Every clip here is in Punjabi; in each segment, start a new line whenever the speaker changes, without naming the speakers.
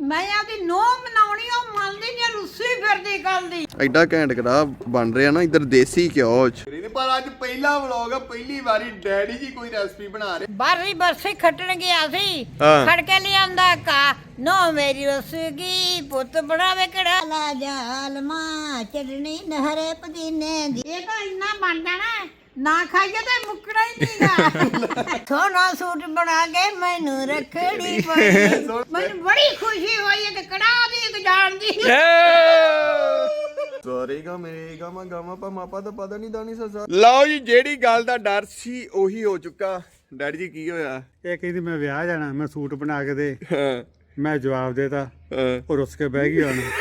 ਮੈਂ ਆਪਦੀ ਨੋਹ ਮਨਾਉਣੀ ਉਹ ਮੰਨਦੀ ਨਹੀਂ ਰੁੱਸੀ ਫਿਰਦੀ ਗੱਲ ਦੀ।
ਐਡਾ ਘੈਂਟ ਕੜਾ ਬਣ ਰਿਹਾ ਨਾ ਇੱਧਰ ਦੇਸੀ ਘਿਓ ਚ। ਪਰ ਅੱਜ ਪਹਿਲਾ ਵਲੌਗ ਆ, ਪਹਿਲੀ ਵਾਰੀ ਡੈਡੀ ਜੀ ਕੋਈ ਰੈਸਪੀ ਬਣਾ ਰਹੇ।
ਬਾਰੀ ਬਰਸੀ ਖੱਟਣ ਗਿਆ ਸੀ, ਖੜ ਕੇ ਲਿਆਂਦਾ ਕਾ ਨੋ ਮੇਰੀ ਰਸਗੀ ਪੁੱਤ ਬਣਾਵੇ ਕੜਾ ਲਾ ਜਾਲਮਾ ਚਟਣੀ ਨਹਰੇ ਪੁਦੀਨੇ ਦੀ। ਇਹ ਤਾਂ ਇੰਨਾ ਬਣ ਜਾਣਾ ਨਾ ਖਾਈਏ ਤੇ ਮੁੱਕਣਾ ਹੀ ਨਹੀਂਗਾ। ਸੋਨਾ ਸੂਟ ਬਣਾ ਕੇ ਮੈਨੂੰ ਰੱਖੜੀ ਪਈ। ਮੈਨੂੰ ਬੜੀ ਖੁਸ਼ੀ ਹੋਈ ਹੈ ਕਿ ਕੜਾ ਦੀ ਇੱਕ ਜਾਣ ਦੀ।
ਸੋਰੇਗਾ ਮੇਰੇ ਗਾਮਾ ਗਾਮਾ ਪਾ ਮਾਪਾ ਦਾ ਪਤਾ ਨਹੀਂ ਦਾਨੀ ਸਸਾ। ਲਓ ਜੀ, ਜਿਹੜੀ ਗੱਲ ਦਾ ਡਰ ਸੀ ਉਹੀ ਹੋ ਚੁੱਕਾ। ਡੈਡੀ ਜੀ ਕੀ ਹੋਇਆ?
ਇਹ ਕਹਿੰਦੀ ਮੈਂ ਵਿਆਹ ਜਾਣਾ, ਮੈਂ ਸੂਟ ਬਣਾ ਕੇ ਦੇ।
ਹਾਂ,
ਮੈਂ ਜਵਾਬ ਦੇਤਾ, ਉਹ ਰੁੱਸ ਕੇ ਬਹਿ ਗਈ। ਹੁਣ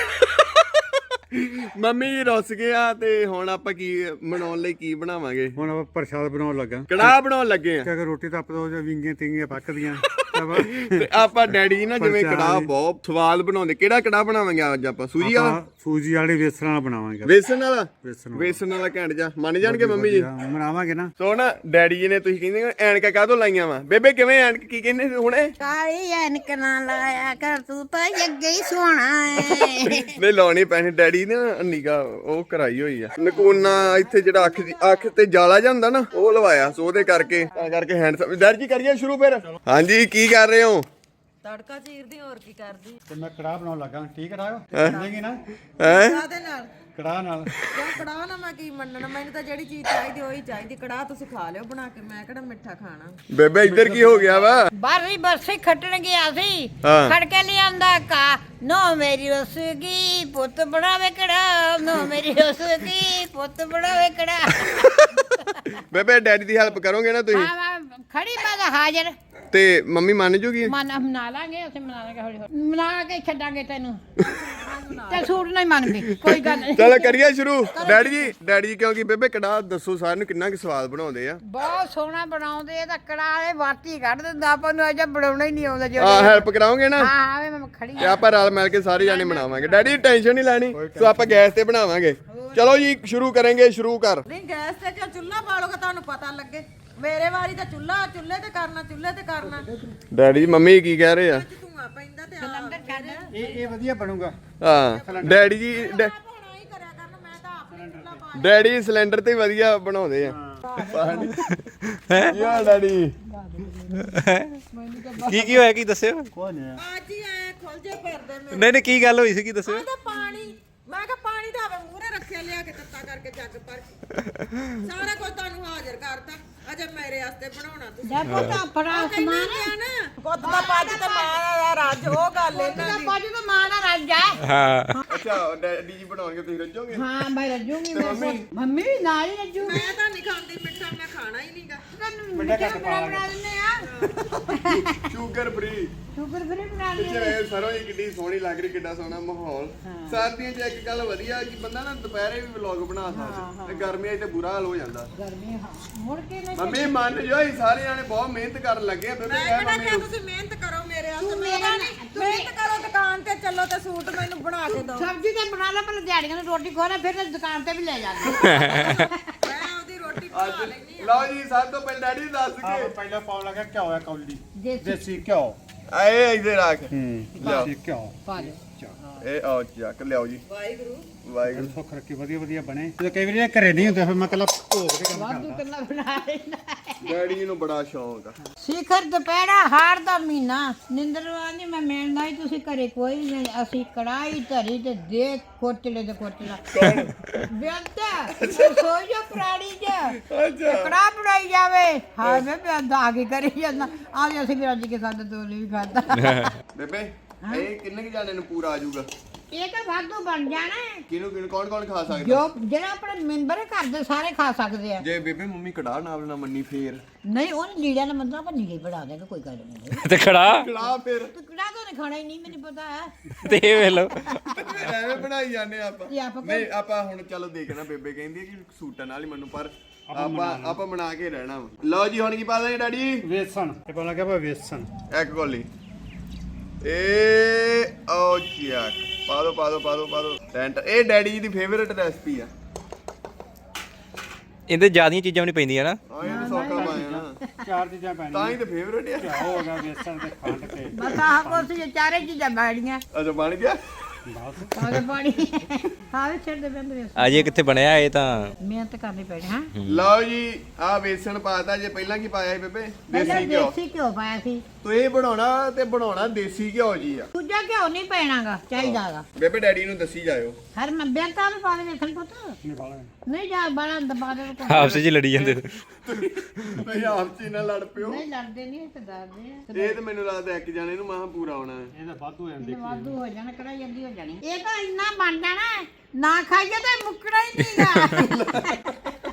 ਮੰਮੀ ਜੀ ਰੁੱਸ ਗਿਆ ਤੇ ਹੁਣ ਆਪਾਂ ਕੀ ਬਣਾਉਣ ਲਈ ਕੀ ਬਣਾਵਾਂਗੇ?
ਹੁਣ ਆਪਾਂ ਪ੍ਰਸ਼ਾਦ ਬਣਾਉਣ ਲੱਗਾ,
ਕੜਾਹ ਬਣਾਉਣ ਲੱਗੇ ਆ।
ਕਿਉਂਕਿ ਰੋਟੀ ਤਾਂ ਆਪਾਂ ਵਿੰਗੀਆਂ ਤਿੰਗੀਆਂ ਪੱਕਦੀਆਂ।
ਤੇ ਆਪਾਂ ਡੈਡੀ ਨਾ ਜਿਵੇਂ ਕੜਾਹ ਬਹੁਤ ਸਵਾਦ ਬਣਾਉਂਦੇ। ਕਿਹੜਾ ਕੜਾਹ ਬਣਾਵਾਂਗੇ ਅੱਜ ਆਪਾਂ? ਸੂਜੀ ਵਾਲਾ?
ਸੂਜੀ ਵਾਲੇ ਵੇਸਣ ਵਾਲਾ ਬਣਾਵਾਂਗੇ।
ਵੇਸਣ ਵਾਲਾ?
ਵੇਸਣ
ਵਾਲਾ ਘੈਂਟ ਜਾ ਮੰਨ ਜਾਣਗੇ ਮੰਮੀ ਜੀ?
ਬਣਾਵਾਂਗੇ ਨਾ।
ਸੋ ਨਾ ਡੈਡੀ ਜੀ ਨੇ ਤੁਸੀਂ ਕਹਿੰਦੇ ਐਨਕਾਂ ਕਾਹਤੋਂ ਲਾਈਆਂ ਵਾ? ਬੇਬੇ ਕਿਵੇਂ ਐਨਕ ਕੀ ਕਹਿੰਦੇ ਹੁਣੇ?
ਕਾਲੀ ਐਨਕ ਨਾ ਲਾਇਆ ਕਰ ਤੂੰ ਤਾਂ ਅੱਗੇ ਹੀ ਸੋਹਣਾ ਏ।
ਨਹੀਂ ਲਾਉਣੀ ਪੈਣੀ। ਡੈਡੀ ਨੇ ਨਿਗਾ ਉਹ ਕਰਾਈ ਹੋਈ ਆ ਨਕੂਨਾ ਇੱਥੇ, ਜਿਹੜਾ ਅੱਖ ਤੇ ਜਾਲਾ ਜਿਹਾ ਹੁੰਦਾ ਨਾ ਉਹ ਲਵਾਇਆ। ਸੋ ਉਹਦੇ ਕਰਕੇ ਤਾਂ ਕਰਕੇ ਹੈਂਡਸਮ। ਡੈਡੀ ਜੀ ਕਰੀਏ ਸ਼ੁਰੂ ਫਿਰ। ਹਾਂਜੀ, ਕੀ ਕਰ ਰਹੇ ਹੋ?
ਤੜਕਾ ਚੀਰਦੀ, ਹੋਰ ਕੀ ਕਰਦੀ?
ਤੇ ਮੈਂ ਕੜਾਹ ਬਣਾਉਣ ਲੱਗਾ। ਠੀਕ ਕੜਾਹ ਬਣੇਗੀ ਨਾ?
ਹੈ
ਕਾਹਦੇ ਨਾਲ?
ਕੜਾਹ ਨਾਲ।
ਕਿਉਂ ਕੜਾਹ ਨਾ ਮੈਂ ਕੀ ਮੰਨਣਾ? ਮੈਨੂੰ ਤਾਂ ਜਿਹੜੀ ਚੀਜ਼ ਚਾਹੀਦੀ ਉਹੀ ਚਾਹੀਦੀ। ਕੜਾਹ ਤੁਸੀਂ ਖਾ ਲਿਓ ਬਣਾ ਕੇ, ਮੈਂ ਕਿਹੜਾ ਮਿੱਠਾ ਖਾਣਾ।
ਬੇਬੇ ਇੱਧਰ ਕੀ ਹੋ ਗਿਆ ਵਾ?
ਬਾਰੀ ਬਰਸੀ ਖੱਟਣ ਗਿਆ ਸੀ,
ਹਾਂ।
ਖੜ ਕੇ ਲਿਆਂਦਾ ਕਾ ਨੋ ਮੇਰੀ ਰਸਗੀ ਪੁੱਤ ਬਣਾਵੇ ਕੜਾ। ਨੋ ਮੇਰੀ ਰਸਗੀ ਪੁੱਤ ਬਣਾਵੇ ਕੜਾ।
ਬੇਬੇ ਡੈਡੀ ਦੀ ਹੈਲਪ ਕਰੋਗੇ ਨਾ ਤੁਸੀਂ?
ਹਾਂ ਖੜੀ ਮੈਂ ਤਾਂ ਹਾਜ਼ਰ।
ਤੇ ਮੰਮੀ ਮੰਨ ਜੂਗੀ?
ਮਨਾ ਲਾਂਗੇ, ਅਸੀਂ ਮਨਾ ਲਾਂਗੇ, ਹੌਲੀ ਹੌਲੀ ਮਨਾ ਕੇ ਛੱਡਾਂਗੇ ਤੈਨੂੰ। ਤੇ ਸੂਟ ਨਹੀਂ ਮੰਨਦੀ ਕੋਈ ਗੱਲ ਨਹੀਂ।
ਚਲੋ ਕਰੀਏ ਸ਼ੁਰੂ। ਡੈਡੀ ਜੀ ਕਿਉਂਕਿ ਬੇਬੇ ਕੜਾਹ ਦੱਸੋ ਸਾਰਿਆਂ ਨੂੰ ਕਿੰਨਾ ਕੁ ਸਵਾਦ ਬਣਾਉਂਦੇ ਆ?
ਬਹੁਤ ਸੋਹਣਾ ਬਣਾਉਂਦੇ। ਇਹ ਤਾਂ ਕੜਾ ਵਾਲੇ ਵਾਟੀ ਕੱਢ ਦਿੰਦਾ, ਆਪਾਂ ਨੂੰ ਅਜੇ ਬਣਾਉਣਾ ਹੀ ਨਹੀਂ ਆਉਂਦਾ।
ਆ ਹੈਲਪ ਕਰਾਓਗੇ ਨਾ?
ਹਾਂ ਮੈਂ ਖੜੀ
ਤੇ ਆਪਾਂ ਰਲ ਮਿਲ ਕੇ ਸਾਰੇ ਜਾਣੇ ਬਣਾਵਾਂਗੇ। ਡੈਡੀ ਟੈਨਸ਼ਨ ਨਹੀਂ ਲੈਣੀ, ਸੋ ਆਪਾਂ ਗੈਸ ਤੇ ਬਣਾਵਾਂਗੇ। ਚਲੋ ਜੀ ਸ਼ੁਰੂ ਕਰਾਂਗੇ। ਸ਼ੁਰੂ ਕਰ।
ਨਹੀਂ ਗੈਸ ਤੇ ਕਿਉਂ? ਚੁੱਲ੍ਹਾ ਬਾਲੋਗੇ ਤੁਹਾਨੂੰ ਪਤਾ ਲੱਗੇ। ਮੇਰੇ ਵਾਰੀ ਤਾਂ ਚੁੱਲ੍ਹੇ ਤੇ ਕਰਨਾ, ਚੁੱਲ੍ਹੇ ਤੇ ਕਰਨਾ।
ਡੈਡੀ ਮੰਮੀ ਕੀ ਕਹਿ ਰਹੇ ਆ?
ਧੂਆਂ ਪੈਂਦਾ ਤੇ
ਸਿਲੰਡਰ ਛੱਡ।
ਇਹ ਵਧੀਆ ਬਣੂਗਾ।
ਹਾਂ ਡੈਡੀ ਜੀ
ਹੋਣਾ ਹੀ ਕਰਿਆ ਕਰਨ। ਮੈਂ ਤਾਂ ਆਪੇ ਚੁੱਲ੍ਹਾ ਪਾ
ਡੈਡੀ ਸਿਲੰਡਰ ਤੇ ਵਧੀਆ ਬਣਾਉਂਦੇ ਆ। ਯਾ ਡੈਡੀ
ਕੀ ਹੋਇਆ? ਕੀ ਦੱਸਿਓ?
ਕੋਈ ਨਹੀਂ।
ਅੱਜ ਹੀ ਆਏ ਖੁੱਲ ਜੇ ਫਿਰਦੇ ਮੇਰੇ।
ਨਹੀਂ ਕੀ ਗੱਲ ਹੋਈ ਸੀ? ਕੀ ਦੱਸਿਓ?
ਤਾਂ ਪਾਣੀ, ਮੈਂ ਕਿਹਾ ਪਾਣੀ ਤਾਂ ਆਵੇ ਮੂਹਰੇ ਰੱਖਿਆ, ਲਿਆ ਕੇ ਤੱਤਾ ਕਰਕੇ ਜੱਗ ਭਰ ਕੇ ਸਾਰਾ ਕੁਝ ਤੁਹਾਨੂੰ ਹਾਜ਼ਰ ਕਰਤਾ। ਅਜੇ ਮੇਰੇ ਵਾਸਤੇ ਬਣਾਉਣਾ ਤੁਸੀਂ।
ਦੇਖੋ ਤਾਂ ਫੜਾ ਸਮਾਨ
ਨਾ ਪੁੱਤ ਦਾ ਪੱਜ ਤੇ ਮਾਂ ਦਾ ਰੱਜ, ਉਹ ਗੱਲ ਇਹਨਾਂ ਦੀ।
ਬਾਜੂ ਤਾਂ ਮਾਂ ਦਾ ਰੱਜ ਹੈ।
ਹਾਂ
ਅੱਛਾ ਡੈਡੀ ਜੀ ਬਣਾਉਣਗੇ, ਤੁਸੀਂ ਰੱਜੋਗੇ?
ਹਾਂ ਮੈਂ ਰੱਜੂਗੀ। ਮੰਮੀ ਵੀ ਨਾਲ ਹੀ ਰੱਜੂ।
ਮੈਂ ਤਾਂ ਨਹੀਂ ਖਾਂਦੀ ਮਿੱਠਾ, ਮੈਂ ਖਾਣਾ ਹੀ ਨਹੀਂਗਾ।
ਮਿੱਠਾ ਬਣਾ ਦਿੰਦੇ ਆ।
Sugar free.
ਸ਼ੂਗਰ ਫ੍ਰੀ ਬਣਾ ਲਈ।
ਪਿੱਛੇ ਸਰੋਂ ਜੀ ਕਿੱਡੀ ਸੋਹਣੀ ਲੱਗ ਰਹੀ, ਕਿੱਡਾ ਸੋਹਣਾ ਮਾਹੌਲ। ਸਰਦੀਆਂ 'ਚ ਇੱਕ ਗੱਲ ਵਧੀਆ ਕਿ ਬੰਦਾ ਨਾ ਦੁਪਹਿਰੇ ਵੀ ਵਲੌਗ ਬਣਾ ਸਕਦਾ, ਤੇ ਗਰਮੀਆਂ 'ਚ ਤੇ ਬੁਰਾ ਹਾਲ ਹੋ ਜਾਂਦਾ।
ਗਰਮੀ ਮੁੜ ਕੇ ਨਹੀਂ।
ਮੰਮੀ ਮੰਨ ਜੋ ਅਸੀਂ ਸਾਰੇ ਜਾਣੇ ਬਹੁਤ ਮਿਹਨਤ ਕਰਨ ਲੱਗੇ ਆ। ਬੇਬੇ
ਮੈਂ
ਕਹਿ
ਕਿਹੜਾ
ਮੰਮੀ
ਕਿਹਾ
ਨੂੰ।
ਤੁਸੀਂ ਮਿਹਨਤ ਕਰੋ ਮੇਰੇ ਵਾਸਤੇ। ਮੇਰਾ ਨਹੀਂ ਮਿਹਨਤ ਕਰੋ, ਦੁਕਾਨ ਤੇ ਚੱਲੋ ਤੇ ਸੂਟ ਮੈਨੂੰ ਬਣਾ ਕੇ ਦਿਓ।
ਸਬਜ਼ੀ ਤੇ ਬਣਾ ਲੈ, ਪਹਿਲਾਂ ਦਿਹਾੜੀਆਂ ਨੂੰ ਰੋਟੀ ਖਵਾ ਲੈ, ਫਿਰ ਦੁਕਾਨ ਤੇ ਵੀ ਲੈ ਜਾਂਦੇ।
ਮੈਂ ਆਪਦੀ ਰੋਟੀ ਬਣਾ ਲੈਣੀ।
ਲਓ ਜੀ ਸਭ ਤੋਂ ਪਹਿਲਾਂ ਡੈਡੀ ਦੱਸ ਕੇ
ਪਹਿਲਾਂ ਪਾਉਣ ਲੱਗਾ ਘਿਓ ਹੈ ਕੌਲੀ।
ਦੇਸੀ
ਦੇਸੀ ਘਿਓ।
ਆਏ ਇੱਧਰ ਰੱਖ।
ਲਿਓ ਘਿਓ
ਪਾ ਦੇ।
ਇਹ ਆਓ ਚੱਕ ਲਿਆਓ ਜੀ।
ਵਾਹਿਗੁਰੂ
ਵਾਹਿਗੁਰੂ।
ਸੁੱਖ ਰੱਖੀ ਵਧੀਆ ਬਣੇ। ਜਦੋਂ ਕਈ ਵਾਰੀ ਘਰੇ ਨਹੀਂ ਹੁੰਦੇ ਫਿਰ ਮੈਂ ਕੱਲਾ ਭੋਗ ਦੇ ਕੰਮ
ਵਾਧੂ
ਕਰਦਾ।
ਕੱਲਾ ਬਣਾ ਲੈਣਾ।
ਡੈਡੀ ਜੀ ਨੂੰ ਬੜਾ ਸ਼ੌਂਕ ਆ।
ਸਿਖਰ ਦੁਪਹਿਰਾ ਹਾੜ ਦਾ ਮਹੀਨਾ ਨਿੰਦਰਵਾ ਨਹੀਂ ਮੈਂ ਮਿਲਣਾ ਹੀ। ਤੁਸੀਂ ਘਰੇ ਕੋਈ ਵੀ ਨਹੀਂ। ਅਸੀਂ ਕੜਾਈ ਧਰੀ ਤੇ ਦੇਖ ਕੋਟਲੇ ਤੇ ਕੋਟਲਾ ਬਿਆੰਤਾ ਸੋਈ ਜੋ ਪ੍ਰਾਣੀ ਚ ਕੜਾ ਬਣਾਈ ਜਾਵੇ। ਹਾਂ ਮੈਂ ਬਿਆੰਦਾ ਆ ਕੇ ਕਰੀ ਜਾਂਦਾ। ਆ ਅਸੀਂ ਵੀ ਅੱਜ ਕੇ ਸਾਡੇ ਦੋਲੇ ਵੀ ਖਾਦਾ।
ਬੇਬੇ ਇਹ ਕਿੰਨੇ ਕੁ ਜਾਣੇ ਨੂੰ ਪੂਰਾ ਆ ਜਾਊਗਾ?
ਇਹ ਤਾਂ ਵਾਧੂ ਬਣ ਜਾਣਾ ਹੈ।
ਕਿਹਨੂੰ ਕੌਣ ਖਾ ਸਕਦਾ?
ਜੋ ਜਿਹੜਾ ਆਪਣੇ ਮੈਂਬਰ ਘਰ ਦੇ ਸਾਰੇ ਖਾ ਸਕਦੇ ਆ।
ਜੇ ਬੇਬੇ ਮੰਮੀ ਕੜਾਹ ਨਾਲ ਨਾ ਮੰਨੀ ਫੇਰ
ਨਹੀਂ ਉਹਨੇ ਲੀੜਿਆਂ ਦਾ ਮੰਦਰਾ ਪਰ ਨੀੜੇ ਬਣਾ ਦੇਗਾ, ਕੋਈ ਗੱਲ ਨਹੀਂ।
ਤੇ ਖੜਾ
ਕੜਾਹ ਫੇਰ
ਤੂੰ ਕਿਹੜਾ ਤਾਂ ਖਾਣਾ ਹੀ ਨਹੀਂ, ਮੈਨੂੰ ਪਤਾ ਹੈ।
ਤੇ ਇਹ ਵੇਖ ਲਓ।
ਐਵੇਂ ਬਣਾਈ ਜਾਂਦੇ ਆਪਾਂ।
ਇਹ ਆਪਾਂ
ਨਹੀਂ ਆਪਾਂ ਹੁਣ ਚਲੋ ਦੇਖਣਾ। ਬੇਬੇ ਕਹਿੰਦੀ ਹੈ ਕਿ ਸੂਟਾਂ ਨਾਲ ਹੀ ਮੈਨੂੰ, ਪਰ ਆਪਾਂ ਬਣਾ ਕੇ ਰਹਿਣਾ ਵਾ। ਲਓ ਜੀ ਹੁਣ ਕੀ ਪਾ ਦਾਂਗੇ ਡੈਡੀ?
ਵੇਸਣ। ਇਹ ਪਾਉਣ ਲੱਗਾ ਵੇਸਣ।
ਇੱਕ ਗੋਲੀ ਇਹ ਓ ਚੱਕ ਪਾ ਦੋ ਟੈਂਟ। ਇਹ ਡੈਡੀ ਜੀ ਦੀ ਫੇਵਰਿਟ ਰੈਸਪੀ ਆ।
ਇਹਦੇ ਜ਼ਿਆਦੀਆਂ ਚੀਜ਼ਾਂ ਵੀ ਨਹੀਂ ਪੈਂਦੀਆਂ ਨਾ।
ਆ ਇਹ ਸੌਖਾ ਪਾਇਆ ਨਾ।
ਚਾਰ ਚੀਜ਼ਾਂ ਪੈਣੀਆਂ
ਤਾਂ ਹੀ ਤੇ ਫੇਵਰੇਟ ਆ
ਘਿਓ ਹੋ ਗਿਆ ਬੇਸਣ ਤੇ ਖੰਡ ਤੇ
ਬਸ ਆਹ ਕੁਛ ਜੇ ਚਾਰੇ ਚੀਜ਼ਾਂ ਬੈਠੀਆਂ
ਅੱਛਾ ਬਣ ਗਿਆ
ਬਸ
ਆਗੇ ਪਾਣੀ ਹਾਂ ਵੀ ਛੱਡ ਦੇ ਬੰਦੇ
ਅਜੇ ਕਿੱਥੇ ਬਣਿਆ ਇਹ ਤਾਂ
ਮਿਹਨਤ ਕਰਨੀ ਪੈਣੀ ਹਾਂ
ਲਓ ਜੀ ਆ ਵੇਸਣ ਪਾਤਾ ਜੇ ਪਹਿਲਾਂ ਕੀ ਪਾਇਆ ਸੀ ਬੇਬੇ
ਪਹਿਲਾਂ
ਦੇਸੀ ਘਿਓ
ਦੇਸੀ ਘਿਓ ਪਾਇਆ ਸੀ
ਤੋ ਇਹ ਬਣਾਉਣਾ ਦੇਸੀ ਘਿਓ ਜੀ ਆ
ਦੂਜਾ ਘਿਓ ਨਹੀਂ ਪੈਣਾਗਾ ਚਾਹੀਦਾਗਾ
ਬੇਬੇ ਡੈਡੀ ਨੂੰ ਦੱਸੀ ਜਾਇਓ
ਹਰ ਮੈਂ ਬੇਟਾ ਵੀ ਪਾ ਦੇ ਵੇਖਣ ਪੁੱਤ
ਨਹੀਂ ਪਾਲਾ
ਨਹੀਂ ਜਾ ਬਾਲਾ ਦਬਾ ਦੇ
ਆਪਸ ਵਿੱਚ ਲੜੀ ਜਾਂਦੇ
ਤੁਸੀਂ ਆਪ ਚ ਹੀ ਨਾ ਲੜ ਪਿਓ
ਨਹੀਂ ਲੜਦੇ ਨਹੀਂ ਤੇ ਡਰਦੇ ਆ
ਇਹ ਤੇ ਮੈਨੂੰ ਲੱਗਦਾ ਇੱਕ ਜਾਣੇ ਨੂੰ ਮਾਹ ਪੂਰਾ ਆਉਣਾ ਹੈ
ਇਹ ਤਾਂ ਵਾਧੂ ਹੋ ਜਾਂਦੇ
ਵਾਧੂ ਹੋ ਜਾਣਾ ਕੜਾ ਜਲਦੀ ਹੋ ਜਾਣੀ ਇਹ ਤਾਂ ਇੰਨਾ ਬਣ ਜਾਣਾ ਹੈ, ਨਾ ਖਾਈਏ ਤਾਂ ਮੁੱਕਣਾ ਹੀ ਨਹੀਂਗਾ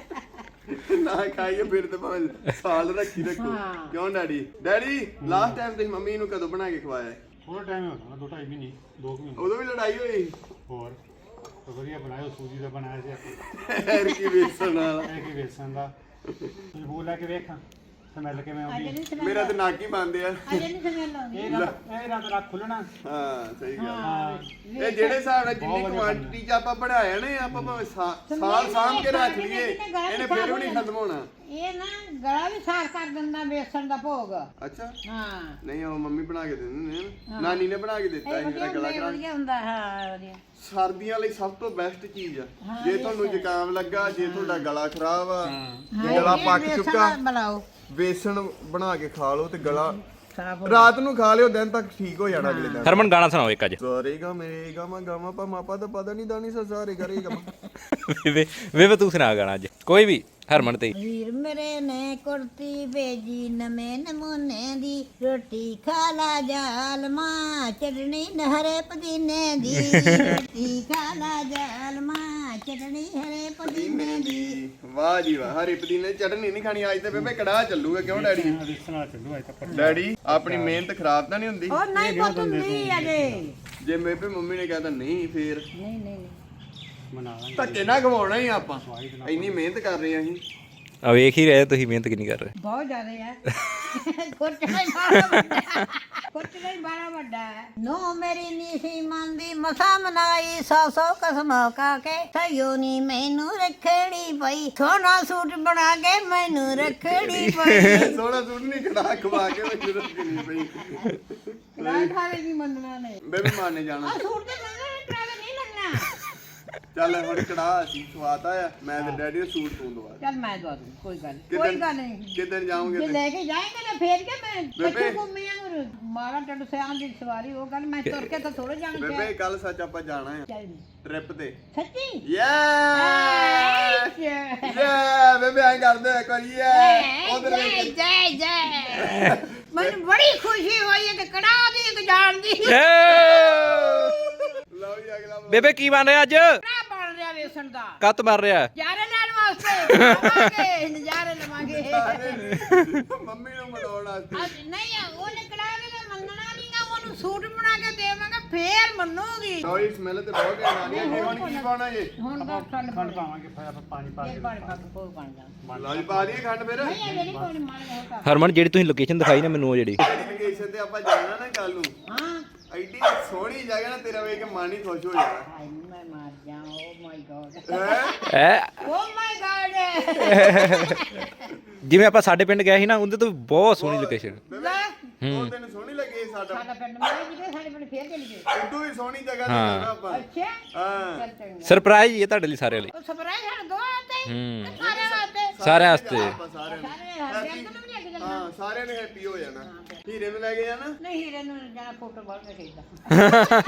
ਨਾ ਖਾਈਏ ਫਿਰ ਤੇ ਭਾਵੇਂ ਸਾਲ ਰੱਖੀ ਰੱਖੋ
ਹਾਂ।
ਕਿਉਂ ਡੈਡੀ ਲਾਸਟ ਟਾਈਮ ਤੁਸੀਂ ਮੰਮੀ ਨੂੰ ਕਦੋਂ ਬਣਾ ਕੇ ਖਵਾਇਆ ਹੈ?
ਥੋੜਾ ਟਾਈਮ ਹੋ ਗਿਆ 2-2.5 ਮਹੀਨੇ 2 ਮਹੀਨੇ
ਉਦੋਂ ਵੀ ਲੜਾਈ ਹੋਈ
ਹੋਰ ਤਾਂ ਵਧੀਆ ਬਣਾਇਆ ਸੂਜੀ ਦਾ ਬਣਾਇਆ ਸੀ ਆਪਾਂ
ਐਰ ਕੀ ਵੇਸਣ ਵਾਲਾ
ਇਹ ਕੀ ਵੇਸਣ ਦਾ ਤੁਸੀਂ ਬੋਲ ਲੈ ਕੇ ਵੇਖਾਂ ਸਮੈਲ ਕਿਵੇਂ
ਅਜੇ
ਆਉਂਦੀ
ਨਹੀਂ ਸਮਝ
ਮੇਰਾ ਤੇ ਨੱਕ ਹੀ ਬੰਦ ਆ
ਅਜੇ ਨਹੀਂ ਸਮਝ ਲਾਉਂਦੀ
ਇਹ ਰਾਤ ਰੱਖ ਖੁੱਲਣਾ
ਹਾਂ ਸਹੀ ਗੱਲ
ਹਾਂ
ਇਹ ਜਿਹੜੇ ਹਿਸਾਬ ਨਾਲ ਜਿੰਨੀ ਕੁਆਂਟੀਟੀ ਚ ਆਪਾਂ ਬਣਾਇਆ ਨੇ ਆਪਾਂ ਭਾਵੇਂ ਸਾਲ ਸਾਂਭ ਕੇ ਰੱਖ ਲਈਏ ਇਹਨੇ ਫਿਰ ਵੀ ਨਹੀਂ ਖਤਮ ਹੋਣਾ
ਇਹ ਨਾ ਗਲਾ ਵੀ ਸਾਫ਼ ਕਰ ਦਿੰਦਾ ਬੇਸਣ ਦਾ ਭੋਗ
ਅੱਛਾ
ਹਾਂ
ਨਹੀਂ ਉਹ ਮੰਮੀ ਬਣਾ ਕੇ ਦਿੰਦੇ ਨੇ ਨਾ। ਨਾਨੀ ਨੇ ਬਣਾ ਕੇ ਦਿੱਤਾ ਸੀ ਮੇਰਾ ਗਲਾ ਖਰਾਬ
ਵਧੀਆ ਹੁੰਦਾ ਹਾਂ ਵਧੀਆ
ਸਰਦੀਆਂ ਲਈ ਸਭ ਤੋਂ ਬੈਸਟ ਚੀਜ਼ ਆ ਜੇ ਤੁਹਾਨੂੰ ਜ਼ੁਕਾਮ ਲੱਗਾ ਜੇ ਤੁਹਾਡਾ ਗਲਾ ਖਰਾਬ ਆ ਜੇ ਗਲਾ ਪੱਕ ਚੁੱਕਾ
ਬਣਾਓ
ਵੇਸਣ ਬਣਾ ਕੇ ਖਾ ਲਓ ਤੇ ਗਲਾ
ਸਾਫ਼
ਰਾਤ ਨੂੰ ਖਾ ਲਿਓ ਦਿਨ ਤੱਕ ਠੀਕ ਹੋ ਜਾਣਾ ਅਗਲੇ ਦਿਨ
ਹਰਮਨ ਗਾਣਾ ਸੁਣਾਓ ਇੱਕ ਅੱਜ
ਸਾਰੇਗਾ ਮੇਰੇ ਗਾਮਾ ਗਾਮਾ ਪਾ ਮਾਪਾ ਦਾ ਪਤਾ ਨਹੀਂ ਦਾਨੀ ਸਾਰੇ ਕਰੇਗਾ
ਵੇ ਤੂੰ ਸੁਣਾ ਗਾਣਾ ਅੱਜ ਕੋਈ ਵੀ ਹਰਮਨ ਤੇ
ਵੀਰ ਮੇਰੇ ਨੇ ਕੁੜਤੀ ਭੇਜੀ ਨਵੇਂ ਨਮੂਨੇ ਦੀ ਰੋਟੀ ਖਾ ਲਾ ਜਾਲਮਾ ਚਟਣੀ ਹਰੇ ਪੁਦੀਨੇ ਦੀ ਰੋਟੀ ਖਾ ਲਾ ਜਾਲਮਾ ਚਟਣੀ ਹਰੇ ਪੁਦੀਨੇ ਦੀ
ਵਾਹ ਜੀ ਵਾਹ ਹਰੀ ਪੁਦੀਨੇ ਦੀ ਚਟਨੀ ਨਹੀਂ ਖਾਣੀ ਅੱਜ ਤੇ ਬੇਬੇ ਕੜਾਹ ਚੱਲੂਗਾ ਕਿਉਂ ਡੈਡੀ
ਵੇਸਣ ਨਾਲ ਚੱਲੂ ਅੱਜ ਤੱਕ
ਡੈਡੀ ਆਪਣੀ ਮਿਹਨਤ ਖਰਾਬ ਤਾਂ ਨਹੀਂ ਹੁੰਦੀ
ਉਹ ਨਹੀਂ ਪੁੱਤ ਹੁੰਦੀ ਅਜੇ
ਜੇ ਮੇਬੇ ਮੰਮੀ ਨੇ ਕਹਿਤਾ ਨਹੀਂ ਫੇਰ
ਨਹੀਂ ਨਹੀਂ
ਬਣਾ ਲਾਂਗੇ
ਧੱਕੇ ਨਾ ਖਵਾਉਣਾ ਹੀ ਆਪਾਂ ਇੰਨੀ ਮਿਹਨਤ ਕਰ ਰਹੇ ਆ ਅਸੀਂ
ਆ ਵੇਖ ਹੀ ਰਹੇ ਤੁਸੀਂ ਮਿਹਨਤ ਕਿੰਨੀ ਕਰ ਰਹੇ
ਬਹੁਤ ਜ਼ਿਆਦਾ ਹੈ ਖੁਰਚਣਾ ਹੀ ਬੜਾ ਵੱਡਾ ਖੁਰਚਣਾ ਹੀ ਬੜਾ ਵੱਡਾ ਹੈ ਨੋ ਮੇਰੀ ਨੀ ਸੀ ਮੰਦੀ ਮਸਾ ਮਨਾਈ 100 ਕਸਮ ਕਾ ਕੇ ਸਯੋ ਨੀ ਮੈਨੂੰ ਰੱਖੜੀ ਪਈ ਸੋਨਾ ਸੂਟ ਬਣਾ ਕੇ ਮੈਨੂੰ ਰੱਖੜੀ ਪਈ
ਸੋਹਣਾ ਸੂਟ ਨਹੀਂ ਕੜਾ ਖਵਾ ਕੇ ਮੈਂ ਜ਼ਰੂਰ ਕਿੰਨੀ ਪਈ
ਰਾਤ ਖਾਵੇ ਨਹੀਂ ਮੰਨਣਾ ਨੇ
ਬੇਬੇ ਮਾਨੇ ਜਾਣਾ
ਆ ਸੂਟ ਤੇ ਮੰਗਣਾ ਟਰਾਵੇ ਨਹੀਂ ਲੱਗਣਾ
ਚੱਲ ਹੁਣ ਕੜਾ ਅਸੀਂ ਖਵਾਤਾ ਆ ਮੈਂ ਤੇ ਡੈਡੀ ਨੂੰ ਸੂਟ ਤੂੰ ਦਵਾ
ਚੱਲ ਮੈਂ ਦਵਾ ਦੂੰ ਕੋਈ ਗੱਲ ਨਹੀਂ
ਕਿਦਨ ਜਾਓਗੇ
ਜੇ
ਤੇ
ਲੈ ਕੇ ਜਾਏਂਗੇ ਨਾ ਫੇਰ ਕੇ ਮੈਂ
ਬੇਬੇ।
ਬੱਚੂ ਘੁੰਮੀਆਂ ਮਾਰਾ ਟੱਡ ਸਿਆਂ ਦੀ ਸਵਾਰੀ ਉਹ ਗੱਲ ਮੈਂ ਤੁਰ ਕੇ ਤਾਂ ਥੋੜੇ ਜਾਣ ਤੇ
ਬੇਬੇ ਕੱਲ ਸੱਚ ਆਪਾਂ ਜਾਣਾ ਆ
ਚੱਲ
ਟ੍ਰਿਪ ਤੇ
ਸੱਚੀ
ਯੇ ਯੇ ਬੇਬੇ ਆਂ ਕਰਦੇ ਇੱਕ ਵਾਰੀ ਯੇ ਉਧਰ
ਜੈ ਮੈਨੂੰ ਬੜੀ ਖੁਸ਼ੀ ਹੋਈ ਹੈ ਕਿ ਕੜਾ ਦੀ ਇੱਕ ਜਾਣ ਦੀ
ਲਓ ਜੀ ਅਗਲਾ
ਬੇਬੇ ਕੀ ਬਣ ਰਿਹਾ ਅੱਜ
ਕੜਾ ਬਣ ਰਿਹਾ ਵੇਸਣ ਦਾ
ਕੱਤ ਮਾਰ ਰਿਹਾ
ਨਜ਼ਾਰੇ ਲੈਣ ਵਾਸਤੇ ਆਵਾਂਗੇ ਨਜ਼ਾਰੇ ਲਵਾਂਗੇ
ਮੰਮੀ ਨੂੰ ਮਨਾਉਣ ਵਾਸਤੇ
ਅੱਜ ਨਹੀਂ ਉਹਨੇ ਕੜਾ ਵੀ ਤਾਂ ਮੰਨਣਾ ਨਹੀਂਗਾ ਉਹਨੂੰ ਸੂਟ ਬਣਾ ਕੇ ਦੇਵਾਂਗਾ ਫੇਰ ਮੰਨੂਗੀ
ਲਓ ਜੀ ਸਮੈਲ ਤੇ ਬਹੁਤ ਘੈਂਟ ਆ ਰਹੀ ਹੈ ਜੀ ਹੁਣ ਕੀ ਪਾਉਣਾ ਜੀ
ਹੁਣ ਦਾ ਖੰਡ
ਖੰਡ ਪਾਵਾਂਗੇ ਫਿਰ ਆਪਾਂ ਪਾਣੀ ਪਾ
ਇਹ
ਕੇ
ਬਣ ਪੱਕ ਪੋ ਬਣ ਜਾ
ਲਓ ਜੀ ਪਾ ਦਈਏ ਖੰਡ ਫਿਰ
ਨਹੀਂ ਇਹ ਜਿਹੜੀ ਕੋਈ ਮਾਰ ਹੋਤਾ
ਹਰਮਨ ਜਿਹੜੀ ਤੁਸੀਂ ਲੋਕੇਸ਼ਨ ਦਿਖਾਈ ਨਾ ਮੈਨੂੰ ਉਹ ਜਿਹੜੀ
ਲੋਕੇਸ਼ਨ ਤੇ ਆਪਾਂ ਜਾਣਾ ਨਾ ਕੱਲ ਨੂੰ
ਹਾਂ
ਐਡੀ ਸੋਹਣੀ ਜਗ੍ਹਾ ਨਾ ਤੇਰਾ ਵੇਖ ਕੇ ਮਨ ਹੀ ਖੁਸ਼ ਹੋ ਜਾਣਾ
ਹਾਏ ਮੈਂ ਮਾਰ ਜਾ ਓ ਮਾਈ ਗॉड
ਹੈ
ਐ
ਓ ਮਾਈ ਗॉड
ਜਿਵੇਂ ਆਪਾਂ ਸਾਡੇ ਪਿੰਡ ਗਏ ਸੀ ਨਾ ਉਹਦੇ ਤੋਂ ਵੀ ਬਹੁਤ ਸੋਹਣੀ ਲੋਕੇਸ਼ਨ
ਉਹ ਤੈਨੂੰ ਸੋਹਣੀ ਲੱਗੀ ਸਾਡਾ
ਸਾਡਾ ਪਿੰਡ ਮੈਂ ਜਿਹੜੇ ਸਾਡੇ ਪਿੰਡ ਫੇਰ ਚਲੀ ਗਏ
ਉਦੋਂ ਹੀ ਸੋਹਣੀ ਜਗ੍ਹਾ ਤੇ ਜਾਣਾ ਆਪਾਂ
ਅੱਛਾ
ਹਾਂ
ਚੱਲ ਚੰਗਾ
ਸਰਪ੍ਰਾਈਜ਼ ਹੀ ਹੈ ਤੁਹਾਡੇ ਲਈ ਸਾਰਿਆਂ ਲਈ
ਉਹ ਸਪਰਾਈ ਸਾਡੇ ਦੋ ਆਤੇ
ਹੂੰ
ਸਾਰੇ ਵਾਸਤੇ
ਸਾਰਿਆਂ ਵਾਸਤੇ
ਆਪਾਂ ਸਾਰਿਆਂ ਨੂੰ
ਸਾਰੇ ਸਾਡੇ ਅੰਕਲ ਨੂੰ ਵੀ ਲੈ ਕੇ ਜਾਣਾ
ਹਾਂ ਸਾਰਿਆਂ ਨੇ ਹੈਪੀ ਹੋ ਜਾਣਾ ਹੀਰੇ ਨੂੰ ਲੈ ਕੇ ਜਾਣਾ
ਨਹੀਂ ਹੀਰੇ ਨੂੰ ਜਾਣਾ ਫੋਟੋ ਬਾਹਰ ਖੇਡਦਾ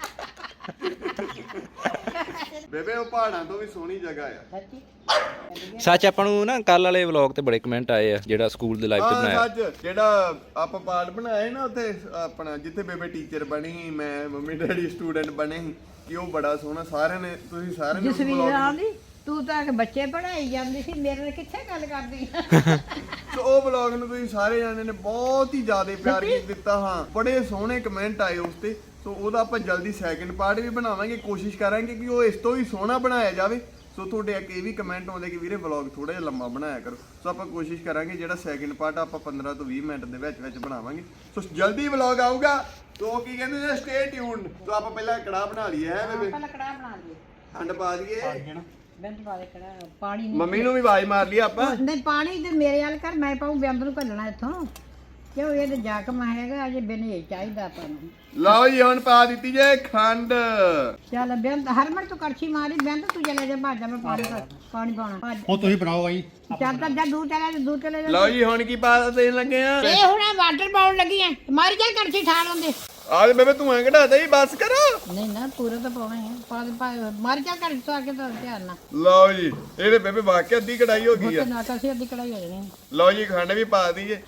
ਬੇਬੇ ਉਹ ਪਹਾੜਾਂ ਤੋਂ ਵੀ ਸੋਹਣੀ ਜਗ੍ਹਾ ਆ
ਸੱਚੀ
ਸੱਚ ਆਪਾਂ ਨੂੰ ਨਾ ਕੱਲ ਵਾਲੇ ਵਲੌਗ ਤੇ ਬੜੇ ਕਮੈਂਟ ਆਏ ਆ ਜਿਹੜਾ ਸਕੂਲ ਦੇ ਲਾਈਵ ਤੇ
ਹਾਂ
ਬਣਾਇਆ
ਸੱਚ ਜਿਹੜਾ ਆਪਾਂ ਪਾਰਟ ਬਣਾਇਆ ਸੀ ਨਾ ਉੱਥੇ ਆਪਣਾ ਜਿੱਥੇ ਬੇਬੇ ਟੀਚਰ ਬਣੀ ਸੀ ਮੈਂ ਮੰਮੀ ਡੈਡੀ ਸਟੂਡੈਂਟ ਬਣੇ ਸੀ ਕਿ ਉਹ ਬੜਾ ਸੋਹਣਾ ਸਾਰਿਆਂ ਨੇ ਤੁਸੀਂ ਸਾਰਿਆਂ ਨੇ
ਜਸਵੀਰ ਆਂਦੀ ਤੂੰ ਤਾਂ ਕਿ ਬੱਚੇ ਪੜਾਈ ਜਾਂਦੀ ਸੀ ਮੇਰੇ ਨਾਲ ਕਿੱਥੇ ਗੱਲ ਕਰਦੀ
ਸੋ ਉਹ ਵਲੌਗ ਨੂੰ ਤੁਸੀਂ ਸਾਰੇ ਜਾਣੇ ਨੇ ਬਹੁਤ ਹੀ ਜ਼ਿਆਦਾ ਪਿਆਰ ਦਿੱਤਾ ਹਾਂ ਬੜੇ ਸੋਹਣੇ ਕਮੈਂਟ ਆਏ ਉਸ ਤੇ ਸੋ ਉਹਦਾ ਆਪਾਂ ਜਲਦੀ ਸੈਕਿੰਡ ਪਾਰਟ ਵੀ ਬਣਾਵਾਂਗੇ ਕੋਸ਼ਿਸ਼ ਕਰਾਂਗੇ ਕਿ ਉਹ ਇਸ ਤੋਂ ਵੀ ਸੋਹਣਾ ਬਣਾਇਆ ਜਾਵੇ ਸੋ ਤੁਹਾਡੇ ਅੱਗੇ ਇਹ ਵੀ ਕਮੈਂਟ ਆਉਂਦੇ ਕਿ ਵੀਰੇ ਵਲੌਗ ਥੋੜਾ ਜਿਹਾ ਲੰਮਾ ਬਣਾਇਆ ਕਰੋ ਸੋ ਆਪਾਂ ਕੋਸ਼ਿਸ਼ ਕਰਾਂਗੇ ਜਿਹੜਾ ਸੈਕਿੰਡ ਪਾਰਟ ਆਪਾਂ 15 ਤੋਂ 20 ਮਿੰਟ ਦੇ ਵਿੱਚ ਬਣਾਵਾਂਗੇ ਸੋ ਜਲਦੀ ਵਲੌਗ ਆਊਗਾ ਸੋ ਕੀ ਕਹਿੰਦੇ ਨੇ ਸਟੇ ਟਿਊਨਡ ਸੋ ਆਪਾਂ ਪਹਿਲਾਂ ਕੜਾਹ ਬਣਾ ਲਈਏ ਹੈ ਬੇਬੇ
ਪਹਿਲਾਂ ਕੜਾਹ ਬਣਾ ਲਈਏ
ਖੰਡ ਪਾ ਦਈਏ
ਬਿੰਦ ਪਾ ਦੇ ਕੜਾ ਪਾਣੀ
ਮੰਮੀ ਨੂੰ ਵੀ ਆਵਾਜ਼ ਮਾਰ ਲਈ ਆਪਾਂ।
ਨਹੀਂ ਪਾਣੀ ਤੇ ਮੇਰੇ ਵੱਲ ਕਰ ਮੈਂ ਪਾਉ ਬਿੰਦ ਨੂੰ ਘੱਲਣਾ ਇੱਥੋਂ ਕਿਉਂ ਇਹ ਤੇ ਜਾਕਮ ਹੈਗਾ ਅਜੇ ਬਿਨੇ ਚਾਹੀਦਾ ਆਪਾਂ ਨੂੰ।
ਲਓ ਜੀ ਹੁਣ ਪਾ ਦਿੱਤੀ ਜੇ ਖੰਡ।
ਚੱਲ ਬਿੰਦ ਹਰਮਨ ਤੂੰ ਕੜਛੀ ਮਾਰੀ ਬਿੰਦ ਤੂੰ ਚਲੇ ਜਾ ਭਾਜਾ ਮੈਂ ਪਾਣੀ ਪਾਉਣਾ
ਉਹ ਤੁਸੀਂ ਬਣਾਓ ਬਾਈ।
ਚੱਲ ਤਾਂ ਜਾ ਦੂਰ ਚਲੇ ਜਾ।
ਲਓ ਜੀ ਹੁਣ ਕੀ ਪਾ ਦੇਣ ਲੱਗੇ ਆ?
ਇਹ ਹੁਣ ਵਾਟਰ ਪਾਉਣ ਲੱਗੀ ਐ ਮਾਰੀ ਚੱਲ ਕੜਛੀ ਠਾਲ ਹੁੰਦੇ।
ਆਹ ਬੇਬੇ ਤੂੰ ਐਂ ਘਟਾ ਦੇ ਬਸ ਕਰੋ।
ਨਹੀਂ ਨਾ ਪੂਰਾ ਤਾਂ ਪਾਉਣਾ ਹੈ ਮਾਰੀ ਚੱਲ ਕੜਛੀ ਤੋਂ ਆ ਕੇ ਤਾਂ ਧਿਆਨ ਨਾਲ।
ਲਓ ਜੀ ਇਹਦੇ ਬੇਬੇ ਵਾਕਿਆ ਅੱਧੀ ਕੜਾਈ ਹੋ ਗਈ ਆ।
ਨਾ ਕਸੇ ਅੱਧੀ ਕੜਾਈ ਹੋ ਜਾਣੀ।
ਲਓ ਜੀ ਖੰਡ ਵੀ ਪਾ ਦਈਏ।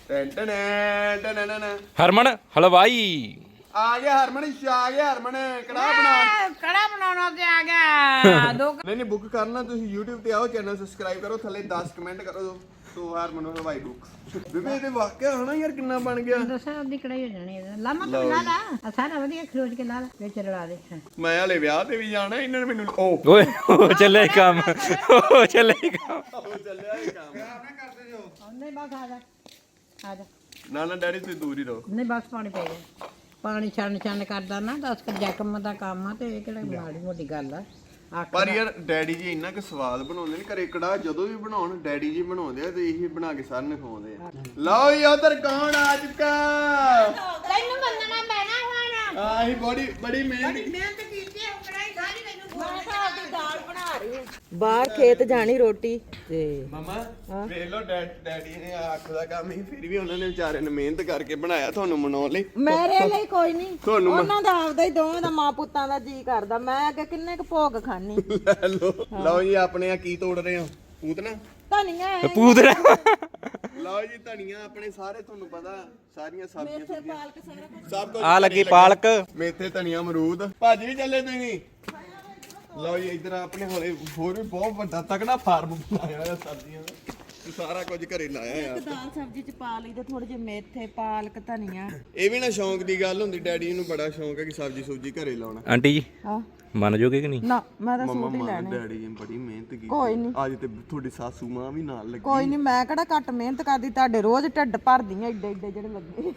ਟਨ
ਹਰਮਨ ਹਲਵਾਈ
ਆ ਗਿਆ ਹਰਮਨ ਆ ਗਿਆ ਹਰਮਨ ਕੜਾਹ ਬਣਾ।
ਕੜਾ ਬਣਾਉਣਾ ਤੇ ਆ ਗਿਆ ਦੋ
ਨਹੀਂ ਬੁੱਕ ਕਰਨਾ ਤੁਸੀਂ YouTube ਤੇ ਆਓ ਚੈਨਲ ਸਬਸਕ੍ਰਾਈਬ ਕਰੋ ਥੱਲੇ 10 ਕਮੈਂਟ ਕਰੋ ਤੋ ਹਰਮਨ ਹਲਵਾਈ ਬੁੱਕ। ਬੇਬੇ ਇਹਦੇ ਵਾਕਿਆ ਹਨਾ ਯਾਰ ਕਿੰਨਾ ਬਣ ਗਿਆ।
ਦੱਸਾਂ ਅੱਧੀ ਕੜਾਈ ਹੋ ਜਾਣੀ ਇਹਦਾ ਲਾਮਾ ਤੂੰ ਲਾ ਲਾ ਸਾਰਾ ਵਧੀਆ ਖਰੋਚ ਕੇ ਲਾ ਲਾ ਵਿੱਚ ਰਲਾ ਦੇ।
ਮੈਂ ਹਲੇ ਵਿਆਹ ਤੇ ਵੀ ਜਾਣਾ ਇਹਨਾਂ ਨੇ ਮੈਨੂੰ ਓ
ਓਏ ਉਹ ਚੱਲੇ ਕੰਮ ਉਹ ਚੱਲੇ ਕੰਮ
ਚੱਲਿਆ ਇਹ ਕੰਮ।
ਨਹੀਂ ਬਸ ਆ ਜਾ
ਨਾ ਡੈਡੀ ਤੁਸੀਂ ਦੂਰ ਹੀ ਰਹੋ।
ਨਹੀਂ ਬਸ ਪਾਣੀ ਪੈ ਗਿਆ ਪਾਣੀ ਛਣ ਕਰਦਾ ਨਾ 10 ਜਕਮ ਦਾ ਕੰਮ ਆ ਤੇ ਇਹ ਕਿਹੜਾ ਮਾੜੀ ਮੋਟੀ ਗੱਲ ਆ।
ਪਰ ਯਾਰ ਡੈਡੀ ਜੀ ਇੰਨਾ ਕੁ ਸਵਾਦ ਬਣਾਉਂਦੇ ਨੇ ਘਰੇ ਕੜਾਹ ਜਦੋਂ ਵੀ ਬਣਾਉਣ ਡੈਡੀ ਜੀ ਬਣਾਉਂਦੇ ਆ ਤੇ ਇਹੀ ਬਣਾ ਕੇ ਸਾਰਿਆਂ ਨੂੰ ਖਵਾਉਂਦੇ ਆ। ਲਓ ਜੀ ਉਧਰ ਕੌਣ ਆ ਚੁੱਕਾ?
ਤੈਨੂੰ ਮੰਨਣਾ ਪੈਣਾ ਹੁਣ
ਆਹੀ ਬੜੀ ਮਿਹਨਤ
ਮਿਹਨਤ ਕੀਤੀ ਹੈ ਕੜਾਈ ਸਾਰੀ ਮੈਨੂੰ
ਮੈਂ ਤਾਂ ਆਪਦੀ ਦਾਲ ਬਣਾ ਰਹੀ ਹਾਂ। ਬਾਹਰ ਖੇਤ ਜਾਣੀ ਰੋਟੀ ਤੇ
ਮਮਾ ਵੇਖ ਲਓ ਡੈਡੀ ਨੇ ਅੱਖ ਦਾ ਕੰਮ ਹੀ ਫਿਰ ਵੀ ਉਹਨਾਂ ਨੇ ਵਿਚਾਰੇ ਨੇ ਮਿਹਨਤ ਕਰਕੇ ਬਣਾਇਆ ਤੁਹਾਨੂੰ ਮਨਾਉਣ ਲਈ।
ਮੇਰੇ ਲਈ ਕੋਈ ਨਹੀਂ
ਤੁਹਾਨੂੰ
ਉਹਨਾਂ ਦਾ ਆਪਦਾ ਹੀ ਦੋਵਾਂ ਦਾ ਮਾਂ ਪੁੱਤਾਂ ਦਾ ਜੀ ਕਰਦਾ। ਮੈਂ ਅੱਗੇ ਕਿੰਨੇ ਕੁ ਭੋਗ ਖਾਣੀ।
ਲੈ ਲਓ ਜੀ ਆਪਣੇ ਆ ਕੀ ਤੋੜ ਰਹੇ ਹੋ ਪੂਤਨਾ
ਧਨੀਆ ਹੈ
ਪੂਤਰਾ
ਲਓ ਜੀ ਧਨੀਆ ਆਪਣੇ ਸਾਰੇ ਤੁਹਾਨੂੰ ਪਤਾ ਸਾਰੀਆਂ ਸਬਜ਼ੀਆਂ
ਪਾਲਕ ਸਾਰਾ ਕੁਝ
ਸਭ ਕੁਝ
ਆ ਲੱਗੀ ਪਾਲਕ
ਮੇਥੇ ਧਨੀਆ ਅਮਰੂਦ ਭਾਜੀ ਵੀ ਚੱਲੇ ਤੁਸੀਂ। ਲਓ ਜੀ ਇੱਧਰ ਆਪਣੇ ਹੋਲੇ ਹੋਰ ਵੀ ਬਹੁਤ ਵੱਡਾ ਤਕੜਾ ਫਾਰਮ ਬਣਾਇਆ ਹੋਇਆ ਸਬਜ਼ੀਆਂ ਦਾ ਤੇ ਸਾਰਾ ਕੁਝ ਘਰੇ ਲਾਇਆ ਯਾਰ।
ਦਾਲ ਸਬਜ਼ੀ ਚ ਪਾ ਲਈਦਾ ਥੋੜੇ ਜਿਹੇ ਮੇਥੇ ਪਾਲਕ ਧਨੀਆ।
ਇਹ ਵੀ ਨਾ ਸ਼ੌਂਕ ਦੀ ਗੱਲ ਹੁੰਦੀ ਡੈਡੀ ਨੂੰ ਬੜਾ ਸ਼ੌਂਕ ਹੈ ਕਿ ਸਬਜ਼ੀ ਸੁਬਜੀ ਘਰੇ ਲਾਉਣਾ।
ਆਂਟੀ ਜੀ
ਹਾਂ
ਮੰਨ ਜੋਗੇ ਕਿ ਨਹੀਂ?
ਨਾ ਮੈਂ ਤਾਂ
ਮੰਮਾ
ਸੂਟ ਹੀ
ਮਾਂ
ਲੈਣੇ।
ਡੈਡੀ ਜੀ ਨੇ ਬੜੀ ਮਿਹਨਤ ਕੀਤੀ।
ਕੋਈ ਨਹੀਂ
ਅੱਜ ਤੇ ਤੁਹਾਡੀ ਸਾਸੂ ਮਾਂ ਵੀ ਨਾਲ ਲੱਗੀ।
ਕੋਈ ਨਹੀਂ ਮੈਂ ਕਿਹੜਾ ਘੱਟ ਮਿਹਨਤ ਕਰਦੀ ਤੁਹਾਡੇ ਰੋਜ਼ ਢਿੱਡ ਭਰਦੀਆਂ ਏਡੇ ਜਿਹੜੇ ਲੱਗੇ।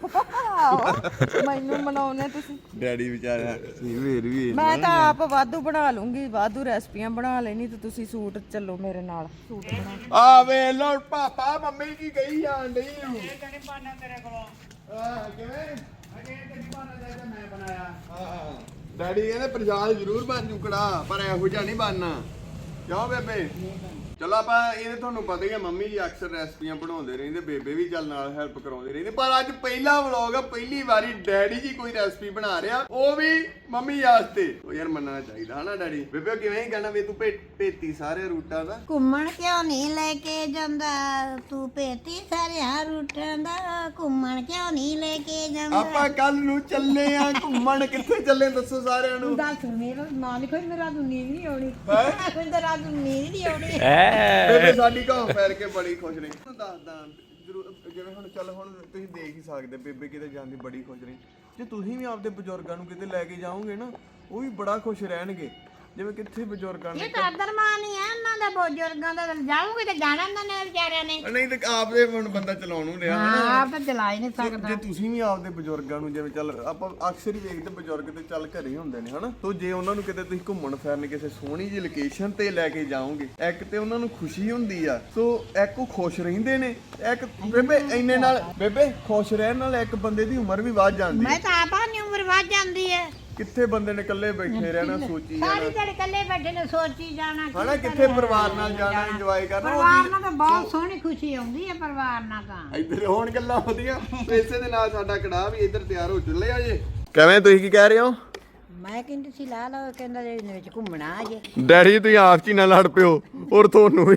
ਮੈਨੂੰ ਮਨਾਉਣੇ ਤੁਸੀਂ।
ਡੈਡੀ ਵਿਚਾਰਾ ਫੇਰ ਵੀ
ਮੈਂ ਤਾਂ ਆਪ ਵਾਧੂ ਬਣਾ ਲੂੰਗੀ ਵਾਧੂ ਰੈਸਪੀਆਂ ਬਣਾ ਲੈਣੀ ਤੇ ਤੁਸੀਂ ਸੂਟ ਚੱਲੋ ਮੇਰੇ ਨਾਲ ਸੂਟ ਬਣਾ।
ਆ ਵੇ ਲੋ ਪਾਪਾ ਮੰਮੀ ਕੀ ਕਹੀ ਜਾਣ ਡਈ ਨੂੰ ਇਹ ਕਣੀ ਪਾਣਾ ਤੇਰੇ ਕੋਲੋਂ। ਕਿਵੇਂ ਅਜੇ ਕਣੀ ਪਾਣਾ ਚਾਹੀਦਾ ਮੈਂ ਬਣਾਇਆ। ਹਾਂ ਡੈਡੀ ਕਹਿੰਦੇ ਪ੍ਰਸ਼ਾਦ ਜ਼ਰੂਰ ਬਣ ਜੂਕੜਾ ਪਰ ਇਹੋ ਜਿਹਾ ਨਹੀਂ ਬਣਨਾ ਕਿਉਂ ਬੇਬੇ। ਚਲੋ ਆਪਾਂ ਇਹ ਤੁਹਾਨੂੰ ਪਤਾ ਹੀ ਆ ਮੰਮੀ ਜੀ ਅਕਸਰ ਰੈਸਪੀਆਂ ਬਣਾਉਂਦੇ ਰਹਿੰਦੇ ਬੇਬੇ ਵੀ ਚੱਲ ਨਾਲ ਹੈਲਪ ਕਰਾਉਂਦੇ ਰਹਿੰਦੇ ਪਰ ਅੱਜ ਪਹਿਲਾ ਵਲੌਗ ਆ ਪਹਿਲੀ ਵਾਰੀ ਡੈਡੀ ਜੀ ਕੋਈ ਰੈਸਪੀ ਬਣਾ ਰਿਹਾ ਉਹ ਵੀ ਮੰਮੀ ਵਾਸਤੇ। ਉਹ ਯਾਰ ਮੰਨਣਾ ਚਾਹੀਦਾ ਹਨਾ ਡੈਡੀ। ਬੇਬੇ ਕਿਵੇਂ ਹੀ ਕਹਿਣਾ ਵੀ ਤੂੰ ਭੇਤੀ ਸਾਰੇ ਰੂਟਾਂ ਦਾ।
ਘੁੰਮਣ ਕਿਉਂ ਨਹੀਂ ਲੈ ਕੇ ਜਾਂਦਾ ਤੂੰ ਭੇਤੀ ਸਾਰਿਆਂ ਰੂਟਾਂ ਦਾ ਘੁੰਮਣ ਕਿਉਂ ਨਹੀਂ ਲੈ ਕੇ ਜਾਂਦਾ।
ਆਪਾਂ ਕੱਲ ਨੂੰ ਚੱਲੇ ਆ ਘੁੰਮਣ ਕਿੱਥੇ ਚੱਲੇ ਦੱਸੋ ਸਾਰਿਆਂ ਨੂੰ।
ਦੱਸ ਮੇਰਾ ਨਾਂ ਲਿਖੋ ਮੇਰਾ ਰਾਤ ਨੂੰ ਨੀਂਦ ਨਹੀਂ ਆਉਣੀ। ਮੈਨੂੰ ਰਾਤ ਨੂੰ ਨੀਂਦ ਨਹੀਂ ਆਉਣੀ।
ਬੇਬੇ ਸਾਡੀ ਘਾਹ ਫੈਰ ਕੇ ਬੜੀ ਖੁਸ਼ ਰਹੀ। ਦੱਸਦਾ ਜ਼ਰੂਰ ਜਿਵੇਂ ਹੁਣ ਚੱਲ ਹੁਣ ਤੁਸੀਂ ਦੇਖ ਹੀ ਸਕਦੇ ਬੇਬੇ ਕਿਤੇ ਜਾਂਦੀ ਬੜੀ ਖੁਸ਼ ਰਹੀ। ਜੇ ਤੁਸੀਂ ਵੀ ਆਪਦੇ ਬਜ਼ੁਰਗਾਂ ਨੂੰ ਕਿਤੇ ਲੈ ਕੇ ਜਾਓਗੇ ਨਾ ਉਹ ਵੀ ਬੜਾ ਖੁਸ਼ ਰਹਿਣਗੇ। ਜਿਵੇਂ ਕਿੱਥੇ ਬਜ਼ੁਰਗਾਂ ਨੂੰ
ਇਹ ਤਾਂ ਦਰਮਾਨ ਹੀ ਹੈ ਇਹਨਾਂ ਦਾ ਬਜ਼ੁਰਗਾਂ ਦਾ ਜਾਊਗੇ ਤੇ ਜਾਣਾ ਇਹਨਾਂ ਨੇ ਵਿਚਾਰਿਆਂ ਨੇ।
ਨਹੀਂ ਤੇ ਆਪਦੇ ਹੁਣ ਬੰਦਾ ਚਲਾਉਣ ਨੂੰ ਰਿਹਾ
ਹਾਂ ਆਪ ਤਾਂ ਚਲਾ ਹੀ ਨਹੀਂ ਸਕਦਾ।
ਜੇ ਤੁਸੀਂ ਵੀ ਆਪਦੇ ਬਜ਼ੁਰਗਾਂ ਨੂੰ ਜਿਵੇਂ ਚੱਲ ਆਪਾਂ ਅਕਸਰ ਹੀ ਵੇਖਦੇ ਬਜ਼ੁਰਗ ਤੇ ਚੱਲ ਘਰੇ ਹੀ ਹੁੰਦੇ ਨੇ ਹਨਾ ਤੋ ਜੇ ਉਹਨਾਂ ਨੂੰ ਕਿਤੇ ਤੁਸੀਂ ਘੁੰਮਣ ਫਿਰਨ ਕਿਸੇ ਸੋਹਣੀ ਜਿਹੀ ਲੋਕੇਸ਼ਨ ਤੇ ਲੈ ਕੇ ਜਾਓਗੇ ਇੱਕ ਤੇ ਉਹਨਾਂ ਨੂੰ ਖੁਸ਼ੀ ਹੁੰਦੀ ਆ ਸੋ ਇੱਕ ਉਹ ਖੁਸ਼ ਰਹਿੰਦੇ ਨੇ ਇੱਕ ਬੇਬੇ ਇੰਨੇ ਨਾਲ ਬੇਬੇ ਖੁਸ਼ ਰਹਿਣ ਨਾਲ ਇੱਕ ਬੰਦੇ ਦੀ ਉਮਰ ਵੀ ਵੱਧ ਜਾਂਦੀ
ਮੈਂ ਤਾਂ ਆਪਾ ਦੀ ਉਮਰ ਵੱਧ ਜਾਂਦੀ ਹੈ।
ਕਿੱਥੇ ਬੰਦੇ ਨੇ ਇਕੱਲੇ ਬੈਠੇ ਰਹਿਣਾ ਸੋਚੀ
ਸਾਰੀ
ਜਾਣਾ
ਦਿਹਾੜੀ ਇਕੱਲੇ ਬੈਠੇ ਨੇ ਸੋਚੀ ਜਾਣਾ
ਹਨਾ ਕਿੱਥੇ ਪਰਿਵਾਰ ਨਾਲ ਜਾਣਾ ਇੰਜੋਏ ਕਰਨਾ
ਪਰਿਵਾਰ ਨਾਲ ਤਾਂ ਬਹੁਤ ਸੋਹਣੀ ਖੁਸ਼ੀ ਆਉਂਦੀ ਹੈ ਪਰਿਵਾਰ ਨਾਲ ਤਾਂ।
ਇੱਧਰ ਹੋਣ ਗੱਲਾਂ ਵਧੀਆ ਇਸੇ ਦੇ ਨਾਲ ਸਾਡਾ ਕੜਾਹ ਵੀ ਇੱਧਰ ਤਿਆਰ ਹੋ ਚੱਲਿਆ ਜੇ। ਕਿਵੇਂ ਤੁਸੀਂ ਕੀ ਕਹਿ ਰਹੇ ਹੋ?
ਮੈਂ ਕਹਿੰਦੀ ਸੀ ਲਾ ਲਓ ਕਹਿੰਦਾ ਇਹਦੇ ਵਿੱਚ ਘੁੰਮਣਾ ਅਜੇ।
ਡੈਡੀ ਤੁਸੀਂ ਆਪ ਚ ਹੀ ਨਾ ਲੜ ਪਿਓ ਔਰ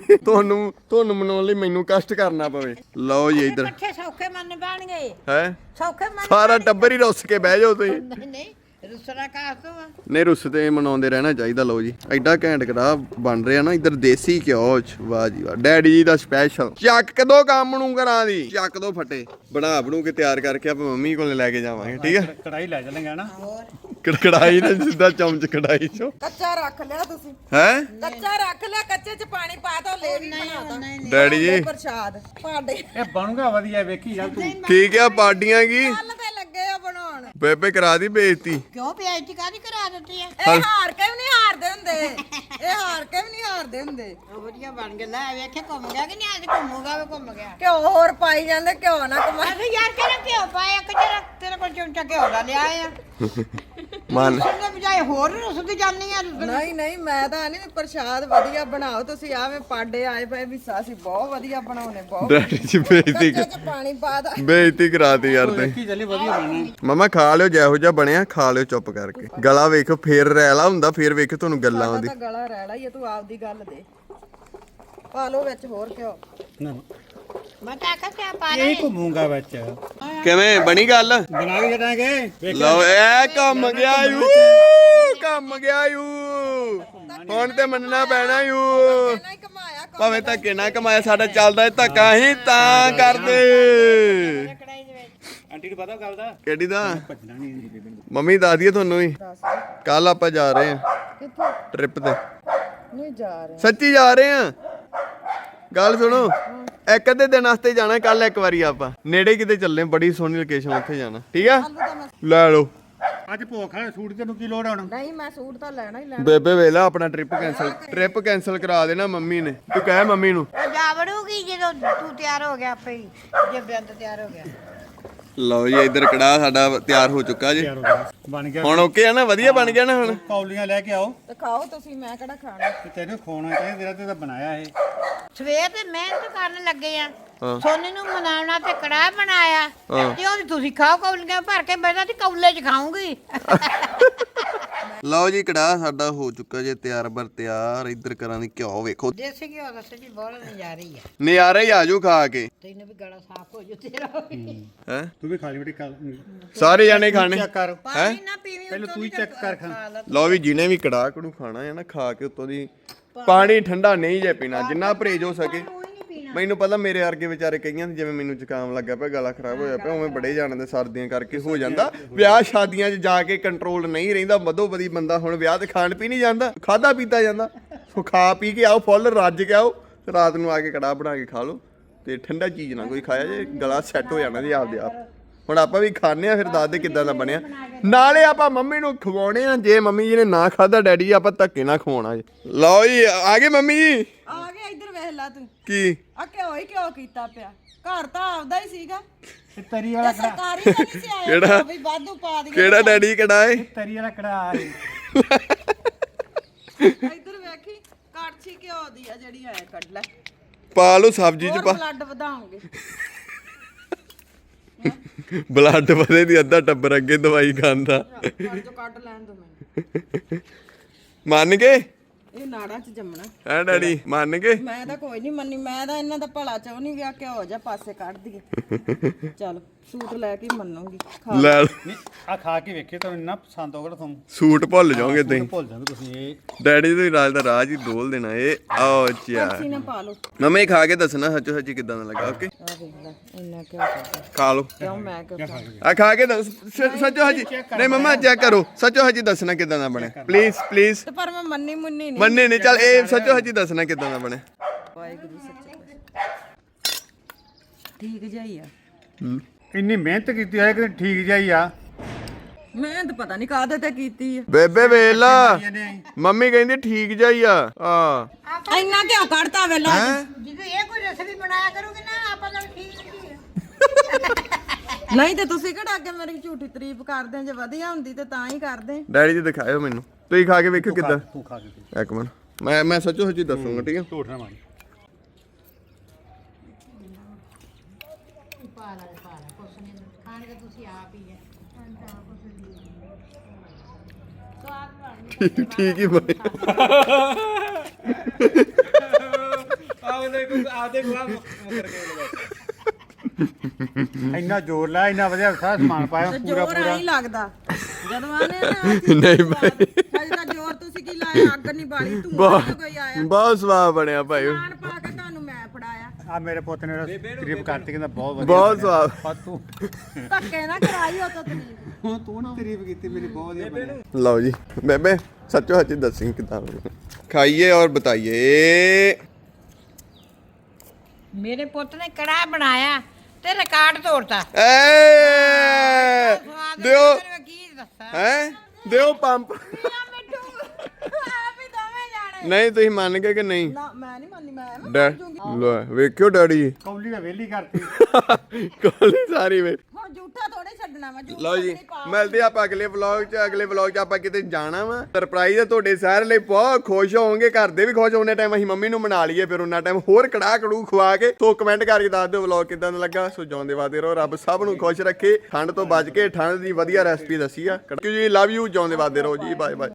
ਤੁਹਾਨੂੰ ਮਨਾਉਣ ਲਈ ਮੈਨੂੰ ਕਸ਼ਟ ਕਰਨਾ ਪਵੇ। ਲਓ ਜੀ ਇੱਧਰ
ਇਕੱਠੇ ਸੌਖੇ ਮੰਨ ਪੈਣਗੇ
ਹੈ
ਸੌਖੇ ਮੰਨ
ਸਾਰਾ ਟੱਬਰ ਹੀ ਰੁੱਸ ਕੇ ਬਹਿ ਜਾਓ ਤੁਸੀਂ।
ਨਹੀਂ ਰੁਸਰਾ ਕਾਸ ਤੋਂ ਆ।
ਨਹੀਂ ਰੁੱਸ ਤੇ ਮਨਾਉਂਦੇ ਰਹਿਣਾ ਚਾਹੀਦਾ। ਲਓ ਜੀ ਐਡਾ ਘੈਂਟ ਕੜਾਹ ਬਣ ਰਿਹਾ ਨਾ ਇੱਧਰ ਦੇਸੀ ਘਿਓ ਚ। ਵਾਹ ਜੀ ਵਾਹ ਡੈਡੀ ਜੀ ਦਾ ਸਪੈਸ਼ਲ। ਚੱਕ ਕਦੋਂ ਕੰਮ ਨੂੰ ਕਰਾਂ ਦੀ ਚੱਕ ਦੋ ਫਟੇ ਬਣੂ ਕੇ ਤਿਆਰ ਕਰਕੇ ਆਪਾਂ ਮੰਮੀ ਕੋਲ ਲੈ ਕੇ ਜਾਵਾਂਗੇ ਠੀਕ ਹੈ।
ਕੜਾਈ ਲੈ ਚੱਲਾਂਗੇ ਨਾ।
ਕੜਾਈ ਨਾ ਸਿੱਧਾ ਚਮਚ ਕੜਾਈ ਚੋਂ
ਕੱਚਾ ਰੱਖ ਲਿਆ ਤੁਸੀਂ।
ਹੈ
ਕੱਚਾ ਰੱਖ ਲਿਆ ਕੱਚੇ ਚ ਪਾਣੀ ਪਾ ਦੋ ਲੈ ਵੀ ਬਣਾਦਾ
ਡੈਡੀ ਜੀ
ਪ੍ਰਸ਼ਾਦ ਭਾਂਡੇ
ਇਹ ਬਣੂਗਾ ਵਧੀਆ ਵੇਖੀ ਜਾ ਤੂੰ।
ਠੀਕ ਆ ਪਾਰਟੀਆਂ ਕੀ
ਕੱਲ ਤੇ ਲੱਗੇ ਆ ਬਣਾਉਣ। ਹੁਣ
ਬੇਬੇ ਕਰਾ ਦੀ ਬੇਇੱਜ਼ਤੀ।
ਕਿਉਂ ਬੇਇੱਜ਼ਤੀ ਕਾਹਦੀ ਕਰਾ ਦਿੱਤੀ ਹੈ?
ਇਹ ਹਾਰ ਕੇ ਵੀ ਨਹੀਂ ਹਾਰਦੇ ਹੁੰਦੇ, ਇਹ ਹਾਰ ਕੇ ਵੀ ਨਹੀਂ ਹਾਰਦੇ ਹੁੰਦੇ।
ਉਹ ਵਧੀਆ ਬਣ ਗਿਆ। ਲੈ ਵੇਖੇ ਘੁੰਮ ਗਿਆ ਕਿ ਨਹੀਂ? ਅੱਜ ਘੁੰਮੂਗਾ ਵੀ ਘੁੰਮ ਗਿਆ।
ਘਿਓ ਹੋਰ ਪਾਈ ਜਾਂਦੇ, ਘਿਓ ਨਾ ਕਮਾਈ।
ਅਸੀਂ ਯਾਰ ਕਿਹੜਾ ਘਿਓ ਪਾਇਆ ਕਿ ਤੇਰੇ ਕੋਲ ਚਮਚਾ ਘਿਓ ਦਾ ਲਿਆ ਆ।
ਮਨ
ਉਹਦੇ ਬਜਾਏ ਹੋਰ ਰੁੱਸਦੀ ਜਾਂਦੀ ਆ।
ਨਹੀਂ ਨਹੀਂ, ਮੈਂ ਤਾਂ ਨਹੀਂ, ਪ੍ਰਸ਼ਾਦ ਵਧੀਆ ਬਣਾਓ ਤੁਸੀਂ। ਆਵੇਂ ਪਾਡੇ ਆਏ ਪਏ ਵੀ ਅਸੀਂ ਬਹੁਤ ਵਧੀਆ ਬਣਾਉਨੇ, ਬਹੁਤ
ਡੈਡੀ ਜੀ ਬੇਇੱਜ਼ਤੀ
ਚ ਪਾਣੀ ਪਾ ਦਾ।
ਬੇਇੱਜ਼ਤੀ ਕਰਾਤੀ ਯਾਰ ਤੇ।
ਕੀ ਚੱਲੀ ਵਧੀਆ ਬਣਨਾ।
ਮਮਾ ਖਾ ਲਿਓ, ਜਿਹੋ ਜਿਹਾ ਬਣਿਆ ਖਾ ਲਿਓ ਚੁੱਪ ਕਰਕੇ। ਗਲਾ ਵੇਖੋ ਫੇਰ ਰੈਲਾ ਹੁੰਦਾ, ਫੇਰ ਵੇਖੋ ਤੁਹਾਨੂੰ ਗੱਲਾਂ ਆਉਂਦੀ।
ਤਾਂ ਗਲਾ ਰਹਿਣਾ ਹੀ ਆ, ਤੂੰ ਆਪਦੀ ਗੱਲ ਦੇ। ਪਾ ਲਓ ਵਿੱਚ ਹੋਰ ਘਿਓ।
ਨਾ
ਮੈਂ ਤਾਂ ਆਖਿਆ ਪਾ
ਇਹ ਘੁੰਮੂਗਾ ਵਿੱਚ
ਕਿਵੇਂ ਬਣੀ ਗੱਲ?
ਬਣਾ ਕੇ ਜਟਾਂਗੇ।
ਲਓ ਇਹ ਕੰਮ ਗਿਆ ਯੂ, ਕੰਮ ਗਿਆ ਯੂ। ਹੁਣ ਤੇ ਮੰਨਣਾ ਪੈਣਾ ਯੂ।
ਨਹੀਂ ਕਮਾਇਆ
ਭਾਵੇਂ ਧੱਕੇ ਨਾ ਕਮਾਇਆ, ਸਾਡਾ ਚੱਲਦਾ ਹੈ ਧੱਕਾ ਹੀ ਤਾਂ ਕਰਦੇ।
ਆਂਟੀ ਨੂੰ ਪਤਾ ਗੱਲ ਦਾ
ਕਿਹੜੀ ਦਾ?
ਭੱਜਣਾ ਨਹੀਂ।
ਮੰਮੀ ਦੱਸ ਦਈਏ ਤੁਹਾਨੂੰ ਵੀ, ਕੱਲ ਆਪਾਂ ਜਾ ਰਹੇ ਹਾਂ
ਕਿੱਥੇ?
ਟ੍ਰਿਪ ਤੇ।
ਨਹੀਂ ਜਾ ਰਹੇ।
ਸੱਚੀ ਜਾ ਰਹੇ ਹਾਂ। ਗੱਲ ਸੁਣੋ, ਇੱਕ ਅੱਧੇ ਦਿਨ ਵਾਸਤੇ ਜਾਣਾ ਕੱਲ ਇੱਕ ਵਾਰੀ ਆਪਾਂ। ਨੇੜੇ ਕਿਤੇ ਚੱਲੇ, ਬੜੀ ਸੋਹਣੀ ਲੋਕੇਸ਼ਨ, ਉੱਥੇ ਜਾਣਾ। ਠੀਕ ਆ, ਲੈ ਲਓ।
ਅੱਜ ਭੁੱਖ ਆ, ਸੂਟ ਤੈਨੂੰ ਕੀ ਲੋੜ ਆਉਣਾ?
ਨਹੀਂ ਮੈਂ ਸੂਟ ਤਾਂ ਲੈਣਾ ਹੀ ਲੈਣਾ।
ਬੇਬੇ ਵੇਲਾ ਆਪਣਾ ਟ੍ਰਿਪ ਕੈਂਸਲ ਕਰਾ ਦੇਣਾ ਮੰਮੀ ਨੇ। ਤੂੰ ਕਹਿ ਮੰਮੀ ਨੂੰ।
ਉਹ ਜਾ ਵੜੂਗੀ ਜਦੋਂ ਤੂੰ ਤਿਆਰ ਹੋ ਗਿਆ ਆਪੇ ਹੀ, ਜੇ ਬੇਅੰਤ ਤਿਆਰ ਹੋ ਗਿਆ।
ਲਓ ਜੀ, ਇੱਧਰ ਕੜਾਹ ਸਾਡਾ ਤਿਆਰ ਹੋ ਚੁੱਕਾ ਜੀ।
ਤਿਆਰ ਹੋ ਗਿਆ, ਬਣ ਗਿਆ।
ਹੁਣ ਓਕੇ ਆ ਨਾ? ਵਧੀਆ ਬਣ ਗਿਆ ਨਾ ਹੁਣ?
ਕੌਲੀਆਂ ਲੈ ਕੇ ਆਓ
ਤੇ ਖਾਓ ਤੁਸੀਂ, ਮੈਂ ਕਿਹੜਾ ਖਾਣਾ।
ਤੇ ਤੈਨੂੰ ਖਵਾਉਣਾ ਚਾਹੀਦਾ, ਤੇਰਾ ਤੇ ਤਾਂ ਬਣਾਇਆ ਇਹ।
ਸਵੇਰ ਤੇ ਮਿਹਨਤ ਕਰਨ ਲੱਗੇ ਆ।
ਹਾਂ।
ਸੋਨੀ ਨੂੰ ਮਨਾਉਣਾ ਤੇ ਕੜਾਹ ਬਣਾਇਆ
ਹਾਂ।
ਤੇ ਉਹਦੀ ਤੁਸੀਂ ਖਾਓ ਕੌਲੀਆਂ ਭਰ ਕੇ। ਮੈਂ ਤਾਂ ਕੌਲੇ 'ਚ ਖਾਊਂਗੀ।
ਲਓ ਜੀ, ਕੜਾਹ ਸਾਡਾ ਹੋ ਚੁੱਕਾ ਜੇ ਤਿਆਰ ਬਰ ਤਿਆਰ। ਇੱਧਰ ਕਰਾਂ ਦੀ ਘਿਓ ਵੇਖੋ,
ਦੇਸੀ ਘਿਓ ਦਾ ਸੱਚੀ ਬਹੁਤ ਨਜ਼ਾਰਾ ਹੀ ਆ।
ਨਜ਼ਾਰਾ ਹੀ ਆਜੂ ਖਾ ਕੇ।
ਤੈਨੂੰ ਵੀ ਗਲਾ ਸਾਫ਼ ਹੋ ਜੂ ਤੇਰਾ ਵੀ।
ਹੈ
ਤੂੰ ਵੀ ਖਾ ਲਈ ਬੇਟੀ ਕੱਲ।
ਸਾਰੇ ਜਾਣੇ ਖਾਣੇ।
ਚੈੱਕ ਕਰ,
ਪਾਣੀ ਨਾ ਪੀਵੀਂ।
ਪਹਿਲਾਂ ਤੂੰ ਹੀ ਚੈੱਕ ਕਰ ਖਾ।
ਲਓ ਵੀ, ਜਿਹਨੇ ਵੀ ਕੜਾਹ ਕੜੂ ਖਾਣਾ ਹੈ ਨਾ, ਖਾ ਕੇ ਉੱਤੋਂ ਦੀ ਪਾਣੀ ਠੰਡਾ ਨਹੀਂ ਜੇ ਪੀਣਾ, ਜਿੰਨਾ ਪਰਹੇਜ ਹੋ ਸਕੇ। ਮੈਨੂੰ ਪਤਾ ਮੇਰੇ ਵਰਗੇ ਵਿਚਾਰੇ ਕਈਆਂ ਦੇ, ਜਿਵੇਂ ਮੈਨੂੰ ਜ਼ੁਕਾਮ ਲੱਗਾ ਪਿਆ, ਗਲਾ ਖਰਾਬ ਹੋਇਆ ਪਿਆ, ਉਵੇਂ ਬੜੇ ਜਾਣਦੇ ਸਰਦੀਆਂ ਕਰਕੇ ਹੋ ਜਾਂਦਾ। ਵਿਆਹ ਸ਼ਾਦੀਆਂ 'ਚ ਜਾ ਕੇ ਕੰਟਰੋਲ ਨਹੀਂ ਰਹਿੰਦਾ। ਮਧੋ ਬਦੀ ਬੰਦਾ ਹੁਣ ਵਿਆਹ ਤੇ ਖਾਣ ਪੀ ਨਹੀਂ ਜਾਂਦਾ, ਖਾਦਾ ਪੀਤਾ ਜਾਂਦਾ। ਸੋ ਖਾ ਪੀ ਕੇ ਆਓ, ਫੁੱਲ ਰੱਜ ਕੇ ਆਓ, ਰਾਤ ਨੂੰ ਆ ਕੇ ਕੜਾਹ ਬਣਾ ਕੇ ਖਾ ਲਓ। ਤੇ ਠੰਡਾ ਚੀਜ਼ ਨਾ ਕੋਈ ਖਾਇਆ ਜੇ, ਗਲਾ ਸੈੱਟ ਹੋ ਜਾਣਾ ਜੀ ਆਪਦੇ ਆਪ। ਹੁਣ ਆਪਾਂ ਵੀ ਖਾਣੇ ਆ, ਫਿਰ ਦੱਸਦੇ ਕਿੱਦਾਂ ਦਾ ਬਣਿਆ। ਨਾਲੇ ਆਪਾਂ ਮੰਮੀ ਨੂੰ ਖਵਾਉਣੇ ਆ। ਜੇ ਮੰਮੀ ਜੀ ਨੇ ਨਾ ਖਾਦਾ, ਡੈਡੀ ਜੀ ਆਪਾਂ ਧੱਕੇ ਨਾ ਖਵਾਉਣਾ ਜੀ। ਲਓ ਜੀ, ਆ ਗਏ ਮੰਮੀ ਜੀ।
ਆ ਗਿਆ, ਇੱਧਰ ਵੇਖ ਲੈ ਤੂੰ।
ਕੀ
ਆ ਘਿਓ ਹੀ ਘਿਓ ਕੀਤਾ ਪਿਆ। ਘਰ ਤਾਂ ਆਪਦਾ ਹੀ ਸੀਗਾ,
ਇਹ ਤਰੀ ਵਾਲਾ ਕੜਾ,
ਸਰਕਾਰੀ ਤਾਂ ਨਹੀਂ ਸੀ ਆਇਆ।
ਕਿਹੜਾ?
ਵੀ ਵਾਧੂ ਪਾ ਦਈਏ।
ਕਿਹੜਾ ਡੈਡੀ ਕੜਾ ਏ?
ਤਰੀ ਵਾਲਾ ਕੜਾ ਆ ਰਹੀ।
ਇੱਧਰ ਵੇਖੀ, ਕੜਛੀ ਘਿਓ ਦੀ ਆ ਜਿਹੜੀ ਆਇਆ, ਕੱਢ ਲੈ।
ਪਾ ਲਓ ਸਬਜ਼ੀ 'ਚ ਪਾ।
ਬਲੱਡ ਵਧਾਉਂਗੇ।
ਬਲੱਡ ਵਧੇ ਦੀ, ਅੱਧਾ ਟੱਬਰ ਅੱਗੇ ਦਵਾਈ ਖਾਂਦਾ।
ਕੱਢ ਜੋ, ਕੱਢ ਲੈਣ ਦੋ ਮੈਨੂੰ।
ਮੰਨ ਗਏ?
ਇਹ ਨਾੜਾਂ 'ਚ ਜੰਮਣਾ।
ਹੈ ਡੈਡੀ, ਮੰਨ ਗਏ?
ਮੈਂ ਤਾਂ ਕੋਈ ਨਹੀਂ ਮੰਨੀ, ਮੈਂ ਤਾਂ ਇਹਨਾਂ ਦਾ ਭਲਾ ਚਾਹੁੰਦੀ ਵੀ ਆ ਘਿਓ ਜਾ ਪਾਸੇ ਕੱਢ ਦਈਏ। ਚੱਲ ਸੂਟ ਲੈ ਕੇ ਮੰਨੂਗੀ। ਖਾ
ਲੈ ਲਓ।
ਨਹੀਂ ਆ ਖਾ ਕੇ ਵੇਖਿਓ, ਤੁਹਾਨੂੰ ਇੰਨਾ ਪਸੰਦ ਹੋਊਗਾ ਤੁਹਾਨੂੰ।
ਸੂਟ ਭੁੱਲ ਜਾਓਗੇ ਤੁਸੀਂ।
ਭੁੱਲ ਜਾਂਦੇ ਤੁਸੀਂ ਇਹ।
ਡੈਡੀ ਤੁਸੀਂ ਰਾਜ ਦਾ ਰਾਜ ਹੀ ਡੋਲ ਦੇਣਾ ਇਹ। ਆਓ ਚਿਆ
ਕੜਛੀ ਨਾ ਪਾ ਲਓ।
ਮੰਮੀ ਖਾ ਕੇ ਦੱਸਣਾ ਸੱਚੋ ਸੱਚੀ ਕਿੱਦਾਂ ਦਾ ਲੱਗਾ। ਓਕੇ,
ਆ ਵੇਖ ਲੈ, ਇੰਨਾ ਘਿਓ ਕੱਢਿਆ।
ਖਾ ਲਓ।
ਕਿਉਂ ਮੈਂ ਕਿਉਂ ਖਾਵਾਂ?
ਆ ਖਾ ਕੇ ਦੱਸ ਸੱਚੋ ਹਜੀ। ਨਹੀਂ ਮੰਮਾ ਚੈੱਕ ਕਰੋ, ਸੱਚੋ ਹਜੀ ਦੱਸਣਾ ਕਿੱਦਾਂ ਦਾ ਬਣਿਆ। Please please.
ਤੇ ਪਰ ਮੈਂ ਮੰਨੀ ਮੁੰਨੀ ਨਹੀਂ।
ਮੰਨੇ ਨਹੀਂ, ਚੱਲ ਇਹ ਸੱਚੋ ਹਜੀ ਦੱਸਣਾ ਕਿੱਦਾਂ ਦਾ ਬਣਿਆ।
ਵਾਹਿਗੁਰੂ ਸੱਚੇ ਠੀਕ ਜਾਈ ਆ।
ਇੰਨੀ ਮਿਹਨਤ ਕੀਤੀ ਹੈ ਕਿ ਠੀਕ ਜਾਈ ਆ।
ਮਿਹਨਤ ਪਤਾ ਨਹੀਂ ਕਾਹਦੇ ਤੇ ਕੀਤੀ ਆ।
ਬੇਬੇ ਵੇਲਾ ਮੰਮੀ ਕਹਿੰਦੀ ਠੀਕ ਜਾਈ ਆ। ਆ
ਇੰਨਾ ਘਿਓ ਕੱਢਤਾ ਵੇਲਾ।
ਜਦੋਂ ਇਹ ਕੋਈ ਰਸਮੀ ਬਣਾਇਆ ਕਰੂਗੀ ਨਾ, ਆਪਾਂ ਤਾਂ ਠੀਕ ਨਹੀਂ ਆ।
ਨਹੀਂ ਤੇ ਤੁਸੀਂ ਕਿਹੜਾ ਅੱਗੇ ਮੇਰੀ ਝੂਠੀ ਤਾਰੀਫ ਕਰਦੇ ਆ? ਜੇ ਵਧੀਆ ਹੁੰਦੀ ਤੇ ਤਾਂ ਹੀ ਕਰਦੇ।
ਡੈਡੀ ਜੀ ਦਿਖਾਇਓ ਮੈਨੂੰ, ਤੁਸੀਂ ਖਾ ਕੇ ਵੇਖੋ ਕਿੱਦਾਂ।
ਤੂੰ ਖਾ ਕੇ ਦੇਖ।
ਇੱਕ ਮਿੰਟ, ਮੈਂ ਸੱਚੋ ਸੱਚੀ ਦੱਸੂਗਾ। ਠੀਕ ਆ,
ਝੂਠ ਨਾ ਮਾਰੀ।
ਠੀਕ ਹੀ ਬਣੀ।
ਇੰਨਾ ਜ਼ੋਰ ਲਾ, ਇੰਨਾ ਵਧੀਆ ਸਾਰਾ ਸਮਾਨ ਪਾਇਆ
ਤੇ
ਪੂਰਾ
ਜ਼ੋਰ
ਪੂਰਾ।
ਨਹੀਂ ਲੱਗਦਾ ਜਦੋਂ ਆਨੇ ਨਾ।
ਨਹੀਂ ਭਾਈ,
ਅਜੇ ਤਾਂ ਜ਼ੋਰ ਤੁਸੀਂ ਕੀ ਲਾਇਆ? ਅੱਗ ਨਹੀਂ ਬਾਲੀ, ਧੂਆਂ ਨਹੀਂ ਕੋਈ ਆਇਆ।
ਬਹੁਤ ਸਵਾਦ ਬਣਿਆ ਭਾਈ,
ਖਾਣ ਪਾ ਕੇ ਤੁਹਾਨੂੰ ਮੈਂ ਫੜਾਇਆ।
ਆ ਮੇਰੇ ਪੁੱਤ ਨੇ ਤਾਰੀਫ ਕਰਤੀ, ਕਹਿੰਦਾ ਬਹੁਤ ਵਧੀਆ
ਬਹੁਤ ਸਵਾਦ।
ਪਰ ਤੂੰ
ਧੱਕੇ ਨਾ ਕਰਾਈ ਉਹ ਤਾਂ ਤੁਸੀਂ।
ਹੁਣ ਤੂੰ ਨਾ ਤਾਰੀਫ ਕੀਤੀ ਮੇਰੀ, ਬਹੁਤ ਵਧੀਆ ਬਣਿਆ।
ਲਓ ਜੀ ਬੇਬੇ ਸੱਚੋ ਸੱਚੀ ਦੱਸੀ ਕਿੱਦਾਂ ਬਣਿਆ। ਖਾਈਏ ਔਰ ਬਤਾਈਏ।
ਮੇਰੇ ਪੁੱਤ ਨੇ ਕੜਾਹ ਬਣਾਇਆ ਤੇ ਰਿਕਾਰਡ ਤੋੜਤਾ
ਏ ਦਿਓ
ਤੈਨੂੰ ਕੀ ਦੱਸਾਂ
ਹੈ ਦਿਓ ਪੰਪ
ਮਿੱਠੂ ਆਪ ਹੀ ਦੋਵੇਂ ਜਾਣੇ
ਨਹੀਂ ਤੁਸੀਂ ਮੰਨ ਗਏ ਕਿ ਨਹੀਂ
ਨਾ ਮੈਂ ਨਹੀਂ ਮੰਨੀ ਮੈਂ
ਲੈ ਵੇਖਿਓ ਡੈਡੀ
ਕੌਲੀ ਦਾ ਵੇਲੀ ਕਰਤੀ
ਕੋਲੀ ਸਾਰੀ ਵੇ
ਹੁਣ ਝੂਠਾ ਥੋੜੇ ਛੱਡਣਾ ਵਾ ਝੂਠਾ
ਲਓ ਜੀ ਮਿਲਦੇ ਆਪਾਂ ਅਗਲੇ ਵਲੌਗ 'ਚ ਆਪਾਂ ਕਿਤੇ ਜਾਣਾ ਵਾ ਸਰਪ੍ਰਾਈਜ਼ ਹੈ ਤੁਹਾਡੇ ਸਾਰੇ ਲਈ ਬਹੁਤ ਖੁਸ਼ ਹੋਵੋਗੇ ਘਰ ਦੇ ਵੀ ਖੁਸ਼ ਹੋਣੇ ਟਾਈਮ ਅਸੀਂ ਮੰਮੀ ਨੂੰ ਮਨਾ ਲਈਏ ਫਿਰ ਉਹਨਾਂ ਟਾਈਮ ਹੋਰ ਕੜਾ ਕੜੂ ਖਵਾ ਕੇ ਸੋ ਕਮੈਂਟ ਕਰਕੇ ਦੱਸ ਦਿਓ ਵਲੌਗ ਕਿਦਾਂ ਦਾ ਲੱਗਾ ਸੋ ਜਿਉਂਦੇ ਵਾਦੇ ਰਹੋ ਰੱਬ ਸਭ ਨੂੰ ਖੁਸ਼ ਰੱਖੇ ਠੰਡ ਤੋਂ ਬਚ ਕੇ ਠੰਡ ਦੀ ਵਧੀਆ ਰੈਸਪੀ ਦੱਸੀ ਆ ਜੀ ਲਵ ਯੂ ਜਿਉਂਦੇ ਵਾਦੇ ਰਹੋ ਜੀ ਬਾਏ ਬਾਏ